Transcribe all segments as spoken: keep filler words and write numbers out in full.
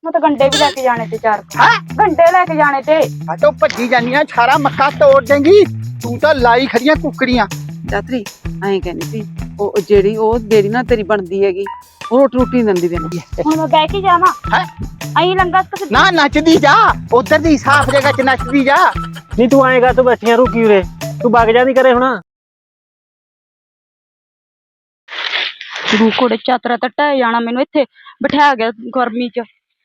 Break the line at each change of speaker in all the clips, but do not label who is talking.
मैं तो गंडे भी लेके जाने थे चार
हाँ
घंटे लेके जाने थे।
आ तो भज्जी जानिया सारा मक्का तोड़ देंगी तू तो लाई खड़ियां कुकड़ियां।
ਚਾਤਰੀ ਐਂ ਕਹਿੰਦੀ ਸੀ ਉਹ ਜਿਹੜੀ ਉਹ ਜਿਹੜੀ ਨਾ ਤੇਰੀ ਬਣਦੀ ਹੈਗੀ ਉਹ ਰੋਟੀ ਰੋਟੀ ਨੀ ਦਿੰਦੀ ਤੈਨੂੰ।
हुण मैं बह के जावां
हैं
अई लंगा तो
ना नचदी जा उधर दी साफ जगह च नचदी जा।
नहीं तू आएगा तो बैठिया रुकी उरे तू भाग जा नहीं करे हुणा
रू कोड़े चातरा तो ढह जाना मैनू इत्थे बिठा गया गर्मी च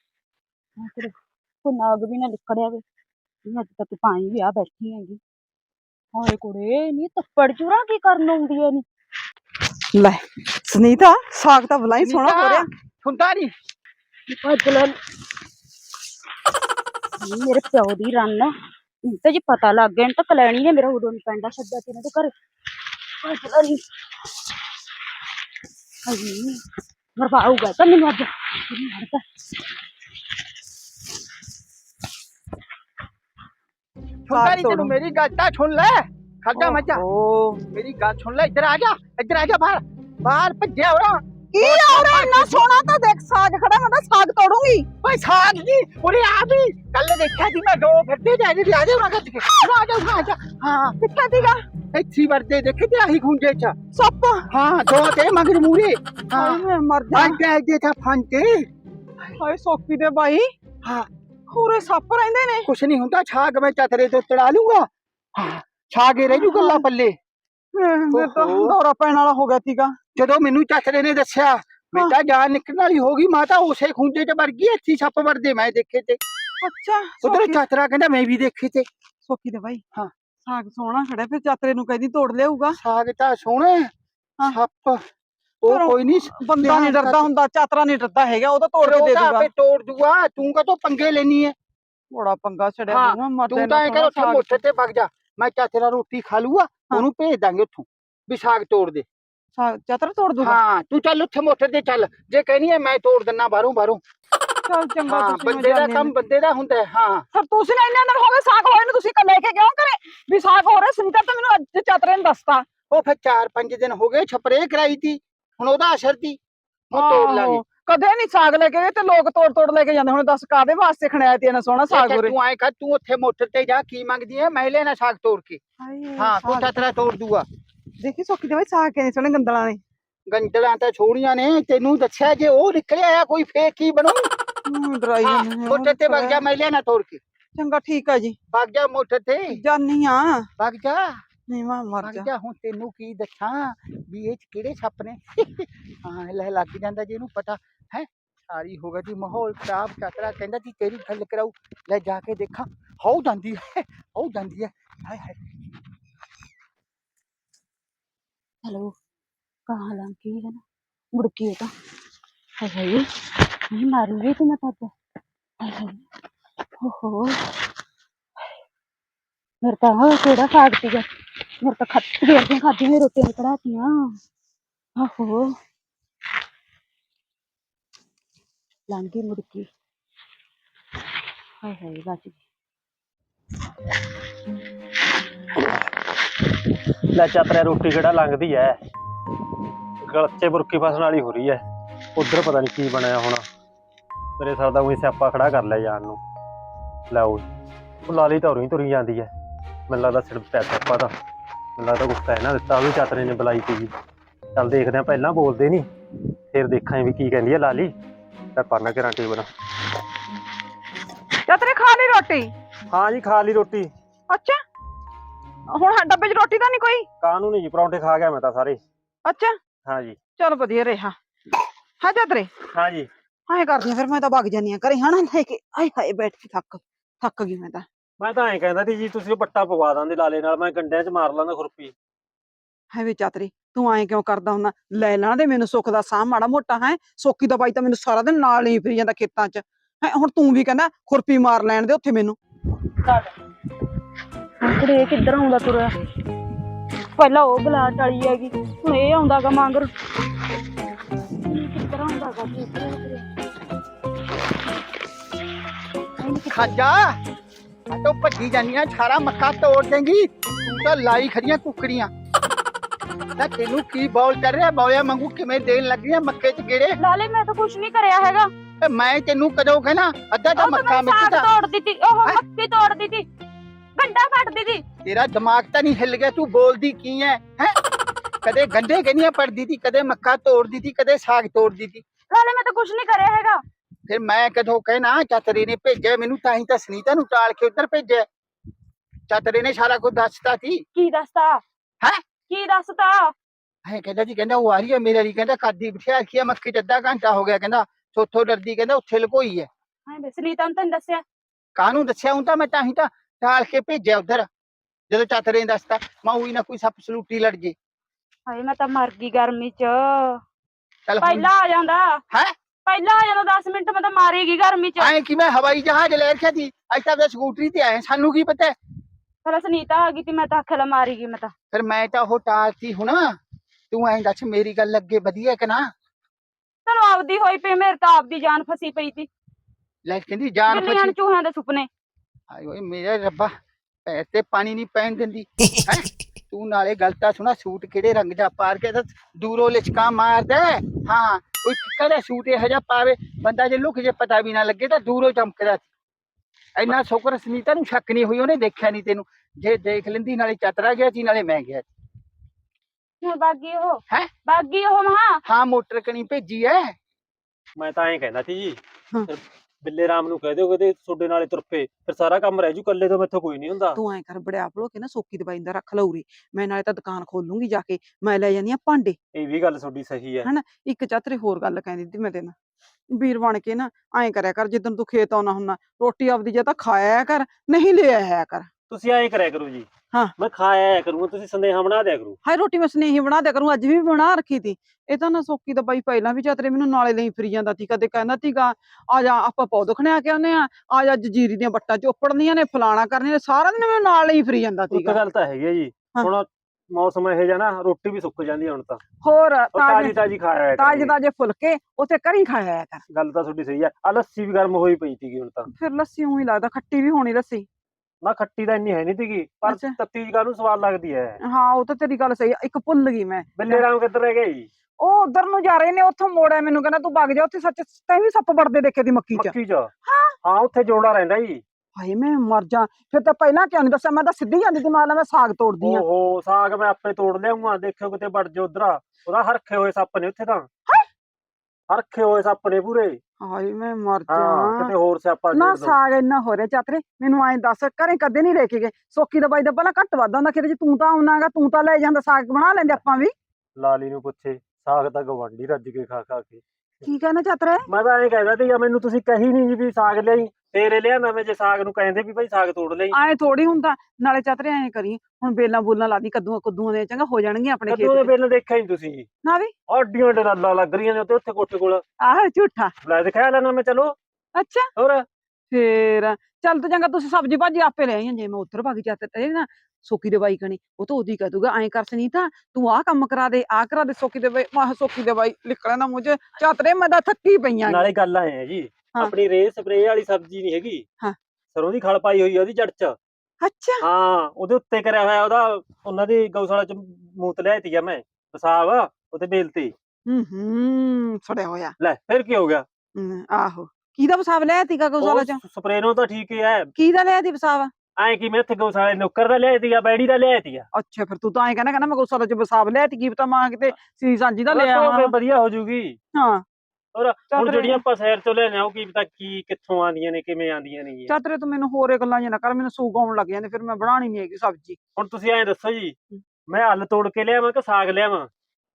कोई नाग भी ना लिखड़िया वे अज तक पाई भी आ बैठी हैगी। हाय कुड़े नी तप्पड़ चूरा की करन आउंदी है नी
ਲੈ ਸੁਨੀਤਾ ਸਾਗ ਤਾਂ ਬਲਾਈ ਸੋਹਣਾ ਹੋ ਰਿਹਾ।
सुनता नहीं
भज लै मेरे प्यो दी रन ते जी पता लग गया तो कलैनी ने मेरा उदों नहीं पैंदा छड्डा तेरे तो घर भज लै नी मरवाऊगा तो मैनू अज
सुनता नहीं तेनू मेरी गल ता सुन ले खड़ा मजा मेरी गल सुन ले इधर आ जा इधर आ जा बाहर बाहर भज्जिया हो रहा
ਕੀ ਆ ਰਿਹਾ ਇੰਨਾ ਸੋਹਣਾ ਤਾਂ ਦੇਖ ਸਾਗ ਖੜਾ ਮੈਂ ਤਾਂ ਸਾਗ ਤੋੜੂੰਗੀ।
ओए साग जी उरे आ भी कल देखा थी मैं दो फिरते जाए आ जा उरा गज के आ जा आ जा हां
ਕਿੱਥੇ ਸੀਗਾ
ਇੱਥੀ ਵਰਦੇ ਦੇਖੇ ਤੇ ਆਹੀ ਖੁੰਝੇ ਚ
ਸੱਪ।
ਹਾਂ ਦੋ ਤੇ ਮਗਰ ਮੂਰੇ ਹਾਂ
ਹਾਏ ਮੈਂ ਮਰ ਜਾ।
ਫੰਟੇ ਦੇ ਥਾ ਫੰਟੇ
ਹਾਏ ਸੋਕੀ ਦੇ ਬਾਈ
ਹਾਂ
ਪੂਰੇ ਸੱਪ ਰਹਿੰਦੇ ਨੇ।
ਕੁਛ ਨਹੀਂ ਹੁੰਦਾ ਛਾਗ ਮੈਂ ਚਤਰੇ ਤੋਂ ਚੜਾ ਲੂੰਗਾ ਹਾਂ ਛਾਗੇ ਰਹਿ ਜੂ ਗੱਲਾਂ ਪੱਲੇ
ਮੇਰੇ ਤਾਂ ਦੌਰਾ ਪੈਣ ਵਾਲਾ ਹੋ ਗਿਆ ਸੀਗਾ
ਜਦੋਂ ਮੈਨੂੰ ਚਾਚਰੇ ਨੇ ਦੱਸਿਆ ਮੈਂ ਤਾਂ ਜਾਨ ਨਿਕਲਣ ਵਾਲੀ ਹੋ ਗਈ ਮਾਤਾ ਉਸੇ ਖੁੰਝੇ ਚ ਵੜ ਗਈ ਇੱਥੀ ਸੱਪ ਵੜਦੇ ਮੈਂ ਦੇਖੇ ਤੇ
ਅੱਛਾ
ਉਧਰ ਚਾਚਰਾ ਕਹਿੰਦਾ ਮੈਂ ਵੀ ਦੇਖੇ ਤੇ
ਸੋਕੀ ਦੇ ਬਾਈ
ਹਾਂ
ਸਾਗ ਸੋਹਣਾ ਖੜਾ ਫਿਰ ਚਾਤਰੇ ਨੂੰ ਕਹਿੰਦੀ ਤੋੜ ਲਿਆਊਗਾ।
ਸਾਗ ਤਾਂ ਸੋਹਣਾ
ਹਾਂ।
ਸੱਪ ਉਹ ਕੋਈ ਨਹੀਂ
ਬੰਦਾ ਨਹੀਂ ਡਰਦਾ ਹੁੰਦਾ ਚਾਤਰਾ ਨਹੀਂ ਡਰਦਾ ਹੈਗਾ ਉਹ ਤਾਂ ਤੋੜ ਕੇ ਦੇ ਦੂਗਾ।
ਆਪੇ ਤੋੜ ਦੂਗਾ ਤੂੰ ਕਦੋਂ ਪੰਗੇ ਲੈਣੀ ਹੈ
ਬੜਾ ਪੰਗਾ ਛੜਿਆ
ਹਾਂ,
ਹੋਊਗਾ ਮਰਦੇ
ਤੂੰ ਤਾਂ ਇਹ ਕਰ ਉੱਥੇ ਮੋਟਰ ਤੇ ਵਗ ਜਾ ਮੈਂ ਚਾਚਰਾ ਰੋਟੀ ਖਾ ਲੂਗਾ ਉਹਨੂੰ ਭੇਜ ਦਾਂਗੇ ਉੱਥੋਂ ਵੀ ਸਾਗ ਤੋੜ ਦੇ।
ਸਾਗ ਚਾਤਰਾ ਤੋੜ ਦੂਗਾ।
ਹਾਂ ਤੂੰ ਚੱਲ ਉੱਥੇ ਮੋਟਰ ਤੇ ਚੱਲ ਜੇ ਕਹਿਨੀ ਹੈ ਮੈਂ ਤੋੜ ਦਿੰਨਾ ਬਾਹਰੋਂ ਬਾਹਰੋਂ।
ਚੱਲ ਚੰਗਾ
ਹਾਂ
ਤੁਸੀਂ
ਬੰਦੇ ਦਾ ਕੰਮ ਬੰਦੇ ਦਾ ਹੁੰਦਾ ਹੈ। ਹਾਂ
ਫਿਰ ਤੁਸੀਂ ਨਾ ਇੰਨੇ ਦਿਨ ਹੋ ਗਏ ਸਾਗ ਹੋਏ ਨੂੰ ਤੁਸੀਂ ਕ ਲੈ ਕੇ ਕਿਉਂ ਕਰੇ ਵੀ ਸਾਗ ਹੋ ਰਿਹਾ ਸੁਨੀਤਾ ਤਾਂ ਮੈਨੂੰ ਅੱਜ ਚਾਤਰੇ ਨੇ ਦੱਸਤਾ।
ਉਹ ਫਿਰ ਚਾਰ ਪੰਜ ਦਿਨ ਹੋ ਗਏ ਛਪਰੇ ਕਰਾਈ ਤੀ ਹੁਣ ਉਹਦਾ ਅਸਰ ਤੀ ਉਹ ਤੋੜ ਲਾਂਗੇ।
ਕਦੇ ਨਹੀਂ ਸਾਗ ਲੈ ਕੇ ਗਏ ਤੇ ਲੋਕ ਤੋੜ ਤੋੜ ਲੈ ਕੇ ਜਾਂਦੇ ਹੁਣ ਦੱਸ ਕਾਦੇ ਵਾਸਤੇ ਖਣਾਇਆ ਤੀ ਇਹਨਾਂ ਸੋਹਣਾ ਸਾਗ ਹੋ ਰਿਹਾ।
ਤੂੰ ਆਏ ਕਰ ਤੂੰ ਉੱਥੇ ਮੋਟਰ ਤੇ ਜਾ ਕੀ ਮੰਗਦੀ ਹੈ ਮੈਂ ਲੈਣਾ ਸਾਗ ਤੋੜ ਕੇ। ਹਾਂ ਕੋਈ ਚਾਤਰਾ ਤੋੜ ਦੂਗਾ।
ਦੇਖੀ ਸੋਕੀ ਦੇ ਬਾਈ ਸਾਗ ਕਿੰਨੇ ਸੋਹਣੇ ਗੰਦਲਾਂ ਨੇ।
ਗੰਦਲਾਂ ਤਾਂ ਛੋੜੀਆਂ ਨੇ ਤੈਨੂੰ ਦੱਸਿਆ ਜੇ ਉਹ ਨਿਕਲਿਆ ਕੋਈ ਫੇਰ ਕੀ ਬਣੂ।
ਡਰਾਈ
ਮੋਟਰ ਤੇ ਵਗ ਜਾ ਮੈਂ ਲੈਣਾ ਤੋੜ ਕੇ।
ਚੰਗਾ ਠੀਕ ਆ ਜੀ
ਵਗ ਜਾ ਮੋਟਰ ਤੇ
ਜਾਨੀ ਆ
ਵਗ ਜਾ
ਨਹੀਂ ਮੈਂ ਮਰ
ਵਗ
ਜਾ।
ਜਾ ਹੁਣ ਤੈਨੂੰ ਕੀ ਦੱਸਾਂ ਵੀ ਇਹ ਚ ਕਿਹੜੇ ਸੱਪ ਨੇ। ਹਾਂ ਲੈ ਲੱਗ ਜਾਂਦਾ ਜੇ ਇਹਨੂੰ ਪਤਾ ਹੈ ਸਾਰੀ ਹੋ ਗਈ ਮਾਹੌਲ ਖਰਾਬ ਚਾਤਰਾ ਕਹਿੰਦਾ ਸੀ ਤੇਰੀ ਗੱਲ ਕਰਾਉ ਲੈ ਜਾ ਕੇ ਦੇਖਾਂ ਹੋ ਜਾਂਦੀ ਹੈ ਹੋ ਜਾਂਦੀ ਹੈ ਹਾਏ ਹਾਏ।
हेलो कहाँ लंकी है ना मुड़की है हाय हाय नहीं मारूंगी तो मैं तब हाय हाय ओहो मेरे तो हाँ केड़ा साग सीगा मेरे तो खत्ती वर्गियां खादी में रोटियां कढ़ातियां आहो लंकी मुड़की हाय हाय बच गई।
ਲੈ ਚਾਤਰਿਆ ਰੋਟੀ ਕਿਹੜਾ ਲੰਘਦੀ ਐ ਗਲਚੇ ਬੁਰਕੀ ਫਸਣ ਵਾਲੀ ਹੋ ਰਹੀ ਐ ਉਧਰ ਪਤਾ ਨਹੀਂ ਕੀ ਬਣਿਆ ਹੋਣਾ ਮੇਰੇ ਸਰ ਦਾ ਕੋਈ ਸਿਆਪਾ ਖੜਾ ਕਰ ਲਿਆ ਜਾਣ ਨੂੰ। ਲੈ ਉਹ ਲਾਲੀ ਤਾਂ ਉਰੀ ਤੁਰੀ ਜਾਂਦੀ ਐ ਮੈਨੂੰ ਲੱਗਦਾ ਸਿਰ ਪੈ ਸਿਆਪਾ ਦਾ ਮੈਨੂੰ ਲੱਗਦਾ ਗੁੱਸਾ ਇਹਨਾਂ ਦਿੱਤਾ ਵੀ ਚਾਤਰੇ ਨੇ ਬੁਲਾਈ ਸੀਗੀ। ਚੱਲ ਦੇਖਦੇ ਆ ਪਹਿਲਾਂ ਬੋਲਦੇ ਨਹੀਂ ਫਿਰ ਦੇਖਾਂ ਵੀ ਕੀ ਕਹਿੰਦੀ ਐ ਲਾਲੀ ਤਾਂ ਪਰਨਾ ਘਰਾਂ ਟੇਬਲ।
ਚਾਤਰੇ ਖਾ ਲਈ ਰੋਟੀ।
ਹਾਂ ਜੀ ਖਾ ਲਈ ਰੋਟੀ।
ਅੱਛਾ ਹੁਣ ਡੱਬੇ 'ਚ ਰੋਟੀ ਤਾਂ ਨਹੀਂ ਕੋਈ।
ਕਾਹਨੂੰ ਨਹੀਂ ਜੀ ਪਰੌਂਠੇ ਖਾ ਗਿਆ ਮੈਂ ਤਾਂ ਸਾਰੇ।
ਅੱਛਾ
ਹਾਂ ਜੀ
ਚਲ ਵਧੀਆ ਰਿਹਾ। ਹਾਂ ਚਾਤਰੇ
ਹਾਂ ਜੀ
ਐਂ ਕਰਦੀ ਫਿਰ ਮੈਂ ਤਾਂ ਵਗ ਜਾਨੀ ਆ ਘਰੇ ਹਨਾ ਲੈ ਕੇ ਆਏ ਹਾਏ ਬੈਠ ਕੇ ਥੱਕ ਥੱਕ ਗਈ ਮੈਂ ਤਾਂ।
ਮੈਂ ਤਾਂ ਐਂ ਕਹਿੰਦਾ ਸੀ ਜੀ ਤੁਸੀਂ ਪੱਟਾ ਪਵਾ ਦਾਂਦੇ ਲਾਲੇ ਨਾਲ ਮੈਂ ਗੰਡਿਆਂ 'ਚ ਮਾਰ ਲਾਂਦਾ ਖੁਰਪੀ।
ਹੈ ਵੇ ਚਾਤਰੀ ਤੂੰ ਐਂ ਕਿਉਂ ਕਰਦਾ ਹੁੰਦਾ ਲੈ ਲਾਂ ਦੇ ਮੈਨੂੰ ਸੁੱਖ ਦਾ ਸਾਹ ਮਾੜਾ ਮੋਟਾ ਹੈ ਸੋਕੀ ਦਾ ਬਾਈ ਤਾਂ ਮੈਨੂੰ ਸਾਰਾ ਦਿਨ ਨਾਲ ਨਹੀਂ ਫਿਰੀ ਜਾਂਦਾ ਖੇਤਾਂ 'ਚ ਹੈ ਹੁਣ ਤੂੰ ਵੀ ਕਹਿੰਦਾ ਖੁਰਪੀ ਮਾਰ ਲੈਣ ਦੇ ਉੱਥੇ ਮੈਨੂੰ।
ਕੁੜੇ ਕਿੱਧਰ ਆਉਂਦਾ ਤੁਰਿਆ ਪਹਿਲਾਂ ਉਹ ਗਲਾਸ ਵਾਲੀ ਹੈਗੀ ਹੁਣ ਇਹ ਆਉਂਦਾਗਾ ਮੰਗਰ ਕਿੱਧਰ ਆਉਂਦਾਗਾ
ਖਾਜਾ ਆ तो ਭੱਜੀ ਜਾਨੀਆਂ ਸਾਰਾ ਮੱਕਾ ਤੋੜ ਦੇਂਗੀ ਤੂੰ ਤਾਂ ਲਾਈ ਖੜੀਆਂ ਕੁਕੜੀਆਂ ਤਾਂ ਤੈਨੂੰ ਕੀ ਬੌਲ ਕਰ ਰਿਹਾ ਬੌਲਿਆ ਮੰਗੂ ਕਿਵੇਂ ਦੇਣ ਲੱਗੀਆਂ ਮੱਕੇ ਚ ਗੇੜੇ।
ਲਾਲੇ मैं तो कुछ नहीं करया हैगा
ਇਹ ਮੈਂ ਤੈਨੂੰ ਕਦੋਂ ਕਹਿਣਾ ਅੱਧਾ ਤਾਂ
ਉਹ ਤਾਂ
ਮੱਕਾ
ਮੈਂ ਸਾਗ
ਮਿੱਟੀ ਦਾ
ਤੋੜ ਦਿੱਤੀ ਉਹ
ਹੈਂ?
ਮੱਕੀ ਤੋੜ ਦਿੱਤੀ ਗੰਡਾ ਫੱਟ ਦਿੱਤੀ
ਤੇਰਾ ਦਿਮਾਗ ਤਾਂ ਨਹੀਂ ਹਿੱਲ ਗਿਆ ਤੂੰ ਬੋਲਦੀ ਕੀ ਹੈ ਹੈ ਕਦੇ ਗੰਡੇ ਗੰਨੀਆਂ ਪੜਦੀ ਤੀ ਕਦੇ ਮੱਕਾ ਤੋੜਦੀ ਤੀ ਕਦੇ ਸਾਗ ਤੋੜਦੀ ਤੀ
ਹਾਲੇ ਮੈਂ ਤਾਂ ਕੁਝ ਨਹੀਂ ਕਰਿਆ ਹੈਗਾ
ਫਿਰ ਮੈਂ ਕਦੋਂ ਕਹਿਣਾ ਚਾਤਰੇ ਨੇ ਭੇਜਿਆ ਮੈਨੂੰ ਤਾਂ ਹੀ ਤਾਂ ਸੁਨੀਤਾ ਨੂੰ ਟਾਲ ਕੇ ਉੱਧਰ ਭੇਜਿਆ ਚਾਤਰੇ ਨੇ ਸਾਰਾ ਕੁਝ ਦੱਸਤਾ ਸੀ
ਕੀ ਦੱਸਤਾ
ਹੈਂ?
ਕੀ ਦੱਸਤਾ
ਐ ਕਹਿੰਦਾ ਜੀ ਕਹਿੰਦਾ ਉਹ ਆ ਰਹੀ ਹੈ ਮੇਰੇ ਲਈ ਕਹਿੰਦਾ ਕਾਦੀ ਬਿਠਿਆ ਰੱਖੀ ਆ ਮੱਕੀ ਚ ਅੱਧਾ ਘੰਟਾ ਹੋ ਗਿਆ ਕਹਿੰਦਾ ਸੋਥੋਂ ਡਰਦੀ ਕਹਿੰਦਾ ਉੱਥੇ ਲੁਕੋਈ ਹੈ
ਹਾਂ ਬਸਲੀ ਤਾਂ ਤੈਨੂੰ ਦੱਸਿਆ
ਕਾਹਨੂੰ ਦੱਸਿਆ ਹੁਣ ਤਾਂ ਮੈਂ ਤਾਂ ਹੀ ਤਾਂ ਟਾਲ ਕੇ ਭੇਜਿਆ ਉੱਧਰ ਜਦੋਂ ਚਾਤਰੇ ਨੇ ਦੱਸਤਾ ਮੈਂ ਉਹੀ ਨਾ ਕੋਈ ਸੱਪ ਸਲੂਟੀ ਲੜ ਜੇ
ਹਾਏ ਮੈਂ ਤਾਂ ਮਰ ਗਈ ਗਰਮੀ ਚ
ਚੱਲ
ਪਹਿਲਾਂ ਆ ਜਾਂਦਾ
ਹੈਂ?
ਪਹਿਲਾਂ ਆ ਜਾਂਦਾ ਦਸ ਮਿੰਟ ਮੈਂ ਤਾਂ ਮਾਰੀ ਗਈ ਗਰਮੀ ਚ
ਐ ਕਿ ਮੈਂ ਹਵਾਈ ਜਹਾਜ਼ ਲੈ ਰੱਖਿਆ ਸੀ ਅੱਜ ਤਾਂ ਮੈਂ ਸਕੂਟਰੀ ਤੇ ਆਏ ਸਾਨੂੰ ਕੀ ਪਤਾ
ਫਿਰ ਸੁਨੀਤਾ ਆ ਗਈ ਤੇ ਮੈਂ ਤਾਂ ਆਖਿਆ ਮਾਰੀ ਗਈ ਮੈਂ ਤਾਂ
ਫਿਰ ਮੈਂ ਤਾਂ ਉਹ ਟਾਲਤੀ ਹੁਣ ਤੂੰ ਐਂ ਦੱਸ ਮੇਰੀ ਗੱਲ ਅੱਗੇ ਵਧੀਆ ਕਿ ਨਾ
ਤੈਨੂੰ ਆਪਦੀ ਹੋਈ ਪਈ ਮੇਰੇ ਤਾਂ ਆਪਦੀ ਜਾਨ ਫਸੀ ਪਈ ਸੀ
ਲੈ ਕਹਿੰਦੀ ਜਾਨ
ਬਿੱਲੀਆਂ
ਫਸੀ
ਚੂਹਿਆਂ ਦੇ ਸੁਪਨੇ
ਹਾਏ ਓਏ ਮੇਰੇ ਰੱਬਾ ਪੈਰ ਤੇ ਪਾਣੀ ਨਹੀਂ ਪੈਣ ਦਿੰਦੀ ਹੈ ਤੂੰ ਨਾਲੇ ਗਲਤਾ ਸੁਣਾ ਸੂਟ ਕਿਹੜੇ ਰੰਗ ਦਾ ਪਾਰ ਕੇ ਤਾਂ ਦੂਰੋਂ ਲਿਚਕਾ ਮਾਰਦਾ ਹੈ। ਹਾਂ ਕੋਈ ਫਿੱਕਾ ਦਾ ਸੂਟ ਇਹੋ ਜਿਹਾ ਪਾਵੇ ਬੰਦਾ ਜੇ ਲੁਕ ਜੇ ਪਤਾ ਵੀ ਨਾ ਲੱਗੇ ਤਾਂ ਦੂਰੋਂ ਚਮਕਦਾ ਸੀ ਇੰਨਾ ਸ਼ੁਕਰ ਸੁਨੀਤਾ ਨੂੰ ਸ਼ੱਕ ਨਹੀਂ ਹੋਈ ਉਹਨੇ ਦੇਖਿਆ ਨਹੀਂ ਤੈਨੂੰ ਜੇ ਦੇਖ ਲੈਂਦੀ ਨਾਲੇ ਚਤਰਾ ਗਿਆ ਸੀ ਨਾਲੇ ਮੈਂ ਗਿਆ ਸੀ।
ਹੁਣ ਬਾਗੀ ਉਹ
ਹੈਂ?
ਬਾਗੀ ਉਹ ਮਹਾ
ਹਾਂ ਮੋਟਰ ਕਣੀ ਭੇਜੀ ਐ
ਮੈਂ ਤਾਂ ਐਂ ਕਹਿੰਦਾ ਸੀ ਜੀ
ਹਾਂ।
ਫਿਰ ਬਿੱਲੇ ਰਾਮ ਨੂੰ ਕਹਿ ਦਿਓ ਕਿਤੇ ਤੁਹਾਡੇ ਨਾਲੇ ਤੁਰ ਪਏ ਫਿਰ ਸਾਰਾ ਕੰਮ ਰਹਿ ਜੂ ਕੱਲੇ ਤੋਂ ਮੈਥੋਂ ਕੋਈ ਨਹੀਂ ਹੁੰਦਾ
ਤੂੰ ਐਂ ਕਰ ਬੜਿਆ ਭਲੋ ਕੇ ਨਾ ਸੋਕੀ ਦਵਾਈ ਦਾ ਰੱਖ ਲਊਰੀ ਮੈਂ ਨਾਲੇ ਤਾਂ ਦੁਕਾਨ ਖੋਲੂੰਗੀ ਜਾ ਕੇ ਮੈਂ ਲੈ ਜਾਂਦੀ ਆ ਭਾਂਡੇ
ਇਹ ਵੀ ਗੱਲ ਤੁਹਾਡੀ ਸਹੀ ਹੈ
ਹਨਾ ਇੱਕ ਚਾਤਰੇ ਹੋਰ ਗੱਲ ਕਹਿੰਦੀ ਤੀ ਮੈਂ ਤੈਨੂੰ ਵੀਰ ਬਣ ਕੇ ਨਾ ਐਂ ਕਰਿਆ ਕਰ ਜਿੱਦਣ ਤੂੰ ਖੇਤ ਆਉਣਾ ਹੁੰਦਾ ਰੋਟੀ ਆਪਦੀ ਜਾਂ ਤਾਂ ਖਾਇਆ ਕਰ ਨਹੀਂ ਲੈ ਆਇਆ ਕਰ
ਤੁਸੀਂ ਐਂ ਕਰਿਆ ਕਰੋ ਜੀ
ਹਾਂ।
ਮੈਂ ਖਾਇਆ ਕਰੂੰਗਾ ਤੁਸੀਂ ਸੰਦੇਹਾ ਬਣਾ ਦਿਆ ਕਰੋ
ਹਾਏ ਰੋਟੀ ਮੈਂ ਸਨੇਹੀ ਬਣਾ ਦਿਆ ਕਰੂੰ ਅੱਜ ਵੀ ਬਣਾ ਰੱਖੀ ਤੀ ਇਹ ਤਾਂ ਨਾ ਸੋਕੀ ਦਾ ਬਾਈ ਪਹਿਲਾਂ ਵੀ ਚਾਤਰੇ ਮੈਨੂੰ ਨਾਲੇ ਲਈ ਫਿਰੀ ਜਾਂਦਾ ਸੀ ਕਦੇ ਕਹਿੰਦਾ ਸੀਗਾ ਆ ਜਾ ਆਪਾਂ ਪੌਦ ਖਣਿਆ ਕੇ ਆਉਂਦੇ ਆ ਆ ਜਾ ਜੀਰੀ ਦੀਆਂ ਵੱਟਾਂ ਚੋਪੜਨੀਆਂ ਨੇ ਫਲਾਣਾ ਕਰਨੀਆਂ ਨੇ ਸਾਰਾ ਦਿਨ ਮੈਨੂੰ ਨਾਲ ਲਈ ਫਿਰੀ ਜਾਂਦਾ
ਇੱਕ
ਸੀਗਾ
ਗੱਲ ਤਾਂ ਹੈਗੀ ਹੈ ਜੀ
ਹਾਂ।
ਹੁਣ ਮੌਸਮ ਇਹੋ ਜਿਹਾ ਨਾ ਰੋਟੀ ਵੀ ਸੁੱਕ ਜਾਂਦੀ ਹੈ ਹੁਣ ਤਾਂ
ਹੋਰ
ਉਹ ਤਾਜੀ
ਤਾਜ਼ੇ
ਤਾਜੀ ਖਾਇਆ
ਤਾਜ਼ੇ
ਕਰਾਂਗੇ।
ਤਾਜ਼ੇ ਫੁਲਕੇ ਉੱਥੇ ਘਰੀ ਖਾਇਆ ਕਰ
ਗੱਲ ਤਾਂ ਤੁਹਾਡੀ ਸਹੀ ਹੈ ਆ ਲੱਸੀ ਵੀ ਗਰਮ ਹੋਈ ਪਈ ਸੀਗੀ ਹੁਣ ਤਾਂ
ਫਿਰ ਲੱਸੀ ਉਹੀ ਲੱਗਦਾ ਖੱਟੀ ਵੀ ਹੋਣੀ ਲੱਸੀ
ਨਾ ਖੱਟੀ ਤਾਂ ਇੰਨੀ ਹੈ ਨਹੀਂ ਸੀਗੀ ਪਰ
ਅੱਛਾ।
ਤੱਤੀ ਜਗ੍ਹਾ ਨੂੰ ਸਵਾਦ ਲੱਗਦੀ ਹੈ
ਹਾਂ ਉਹ ਤਾਂ ਤੇਰੀ ਗੱਲ ਸਹੀ ਆ ਇੱਕ ਭੁੱਲ ਗਈ ਮੈਂ
ਬਿੱਲੇ ਰਾਮ ਕਿੱਧਰ ਰਹਿ ਗਏ ਜੀ
ਉਹ ਉਧਰ ਨੂੰ ਜਾ ਰਹੇ ਨੇ ਉੱਥੋਂ ਮੋੜਿਆ ਮੈਨੂੰ ਕਹਿੰਦਾ ਤੂੰ ਵਗ ਜਾ ਉੱਥੇ ਸੱਚ ਤੈਂ ਵੀ ਸੱਪ ਵੜਦੇ ਦੇਖੇ ਦੀ ਮੱਕੀ ਚ
ਮੱਕੀ ਚ ਹਾਂ ਉੱਥੇ ਜੋੜਾ ਰਹਿੰਦਾ ਜੀ
ਹਾਏ ਮੈਂ ਮਰ ਜਾ ਫਿਰ ਤਾਂ ਪਹਿਲਾਂ ਕਿਉਂ ਨਹੀਂ ਦੱਸਿਆ ਮੈਂ ਤਾਂ ਸਿੱਧੀ ਜਾਂਦੀ ਸੀ ਮਾਲਾ ਮੈਂ ਸਾਗ ਤੋੜਦੀ ਆ
ਓਹੋ ਸਾਗ ਮੈਂ ਆਪੇ ਤੋੜ ਲਿਆਉਂਗਾ ਦੇਖਿਓ ਕਿਤੇ ਵੜ ਜਾ ਉਧਰ ਉਹਦਾ ਹਰਖੇ ਹੋਏ ਸੱਪ ਨੇ ਉੱਥੇ ਤਾਂ ਹਰਖੇ ਹੋਏ ਸੱਪ ਨੇ ਪੂਰੇ
ਹਾਏ ਮੈਂ ਮਰ
ਹਾਂ
ਜਾ
ਕਿਤੇ ਹੋਰ ਸਿਆਪਾ
ਨਾ
ਛੇੜ ਦਿਓ।
ਸਾਗ ਇੰਨਾ ਹੋ ਰਿਹਾ ਚਾਤਰੇ ਮੈਨੂੰ ਐਂ ਦੱਸ ਘਰੇ ਕਦੇ ਨਹੀਂ ਲੈ ਕੇ ਗਏ ਸੋਕੀ ਦਾ ਬਾਈ ਦਾ ਪਹਿਲਾਂ ਘੱਟ ਵੱਧ ਹੁੰਦਾ ਕਿਤੇ ਜੇ ਤੂੰ ਤਾਂ ਆਉਣਾਗਾ ਤੂੰ ਤਾਂ ਲੈ ਜਾਂਦਾ ਸਾਗ ਬਣਾ ਲੈਂਦੇ ਆਪਾਂ ਵੀ
ਲਾਲੀ ਨੂੰ ਪੁੱਛੇ ਸਾਗ ਤਾਂ ਗਵਾਂਢੀ ਰੱਜ ਕੇ ਖਾ ਖਾ ਕੇ
ਕੀ ਕਹਿਣਾ ਚਾਤਰੇ
ਮੈਂ ਤਾਂ ਐਂ ਕਹਿੰਦਾ ਤੇ ਮੈਨੂੰ ਤੁਸੀਂ ਕਹੀ ਨਹੀਂ ਜੀ ਵੀ ਸਾਗ ਲਿਆਈ ਤੇਰੇ ਲਿਆਂਦਾ ਮੈਂ ਜੇ ਸਾਗ ਨੂੰ ਕਹਿੰਦੇ ਵੀ ਭਾਈ ਸਾਗ ਤੋੜ ਲਈ
ਐਂ ਥੋੜੀ ਹੁੰਦਾ ਨਾਲੇ ਚਾਤਰੇ ਐਂ ਕਰੀ ਹੁਣ ਬੇਲਾਂ ਬੋਲਾਂ ਲਾ ਦੀ ਕੱਦੂਆਂ ਕੁੱਦੂਆਂ ਦੇ ਚੰਗਾ ਹੋ ਜਾਣਗੀਆਂ ਆਪਣੇ
ਕਦੋਂ ਦੇ
ਖੇਤ
ਬਿੱਲ ਦੇਖਿਆ ਨਹੀਂ ਤੁਸੀਂ
ਨਾ ਵੀ
ਆਡੀਆਂ ਡਰਾਲਾਂ ਲੱਗ ਰਹੀਆਂ ਨੇ ਉੱਤੇ ਉੱਥੇ ਕੋਠੇ ਕੋਲ
ਆਹ ਝੂਠਾ
ਲੈ ਦਿਖਾਇਆ ਲੈਣਾ ਮੈਂ ਚਲੋ
ਅੱਛਾ
ਹੋਰ
ਫੇਰ ਚੱਲ ਤੂੰ ਚੰਗਾ ਤੁਸੀਂ ਸਬਜ਼ੀ ਭਾਜੀ ਆਪੇ ਲੈ ਆਈਆਂ ਜੇ ਮੈਂ ਉੱਧਰ ਭਾਗੀ ਚਾਤੇ ਤੇ ਨਾ ਸੋਕੀ ਦੇ ਬਾਈ ਕਣੀ ਉਹ ਤਾਂ ਉਹਦੀ ਕਹਿ ਦੂਗਾ ਐਂ ਕਰ ਸੁਨੀਤਾ ਤੂੰ ਆਹ ਕੰਮ ਕਰਾ ਦੇ ਆਹ ਕਰਾ ਦੇ ਸੋਕੀ ਦੇ ਬਾਈ ਮਾਹ ਸੋਕੀ ਦੇ ਬਾਈ ਨਿਕਲਿਆ ਨਾ ਮੁਝੇ ਚਾਤਰੇ ਮੈਂ ਤਾਂ ਥੱਕੀ ਪਈਆਂ
ਨਾਲੇ ਗੱਲ ਆਏ ਆ ਜੀ
ਹਾਂ।
ਆਪਣੀ ਰੇ ਸਪਰੇ ਵਾਲੀ ਸਬਜ਼ੀ ਨਹੀਂ ਹੈਗੀ
ਹਾਂ।
ਸਰੋਂ ਦੀ ਖਲ ਪਾਈ ਹੋਈ ਆ ਉਹਦੀ ਜੜ ਚ
ਅੱਛਾ
ਹਾਂ ਉਹਦੇ ਉੱਤੇ ਕਰਿਆ ਹੋਇਆ ਉਹਦਾ ਉਹਨਾਂ ਦੀ ਗਊਸ਼ਾਲਾ ਚ ਮੂਤ ਲਿਆਤੀ ਆ ਮੈਂ ਪਿਸ਼ਾਬ ਉਹਤੇ ਬੇਲਤੀ
ਹੂੰ ਹੂੰ ਸੜਿਆ ਹੋਇਆ
ਲੈ ਫਿਰ ਕੀ ਹੋ ਗਿਆ
ਹਮ, ਆਹੋ ਕਿਹਦਾ ਵਸਾਬ ਲਿਆ ਤੀਗਾ ਗੌਸਾਲਾ ਚ
ਸਪਰੇ ਨੂੰ ਤਾਂ ਠੀਕ ਹੀ ਹੈ
ਕਿਹਦਾ ਲਿਆ ਤੀ ਵਸਾਬ
ਐਂ ਕਿ ਮੈਂ ਇੱਥੇ ਗਊਸ਼ਾਲੇ ਨੌਕਰ ਦਾ ਲਿਆਤੀ ਆ ਬੈੜੀ ਦਾ ਲਿਆਤੀ ਆ
ਅੱਛਾ ਫਿਰ ਤੂੰ ਤਾਂ ਐਂ ਕਹਿੰਦਾ ਕਹਿੰਦਾ ਮੈਂ ਗੌਸਾਲਾ ਚ ਵਸਾਬ ਲਿਆ ਤੀ ਕੀ ਪਤਾ ਮਾਂ ਕਿਤੇ ਸੀ ਸਾਂਝੀ ਦਾ ਲਿਆ
ਉਹ
ਆਵਾਂ।
ਫਿਰ ਵਧੀਆ ਹੋ ਜੂਗੀ
ਹਾਂ
ਹੋਰ
ਚੱਲ
ਹੁਣ
ਫਿਰ-
ਜਿਹੜੀਆਂ ਆਪਾਂ ਸ਼ਹਿਰ ਤੋਂ ਲੈਣੇ ਆ ਉਹ ਕੀ ਪਤਾ ਕੀ ਕਿੱਥੋਂ ਆਉਂਦੀਆਂ ਨੇ ਕਿਵੇਂ ਆਉਂਦੀਆਂ ਨੇ
ਚਾਤਰੇ ਤੂੰ ਮੈਨੂੰ ਹੋਰ ਇਹ ਗੱਲਾਂ ਜਿਹਾ ਨਾ ਕਰ ਮੈਨੂੰ ਸੂਗ ਆਉਣ ਲੱਗ ਜਾਂਦੇ ਫਿਰ ਮੈਂ ਬਣਾਣੀ ਨਹੀਂ ਹੈਗੀ ਸਬਜ਼ੀ
ਹੁਣ ਤੁਸੀਂ ਐਂ ਦੱਸੋ ਜੀ ਮੈਂ ਹੱਲ ਤੋੜ ਕੇ ਲਿਆਵਾਂ ਕਿ ਸਾਗ ਲਿਆਵਾਂ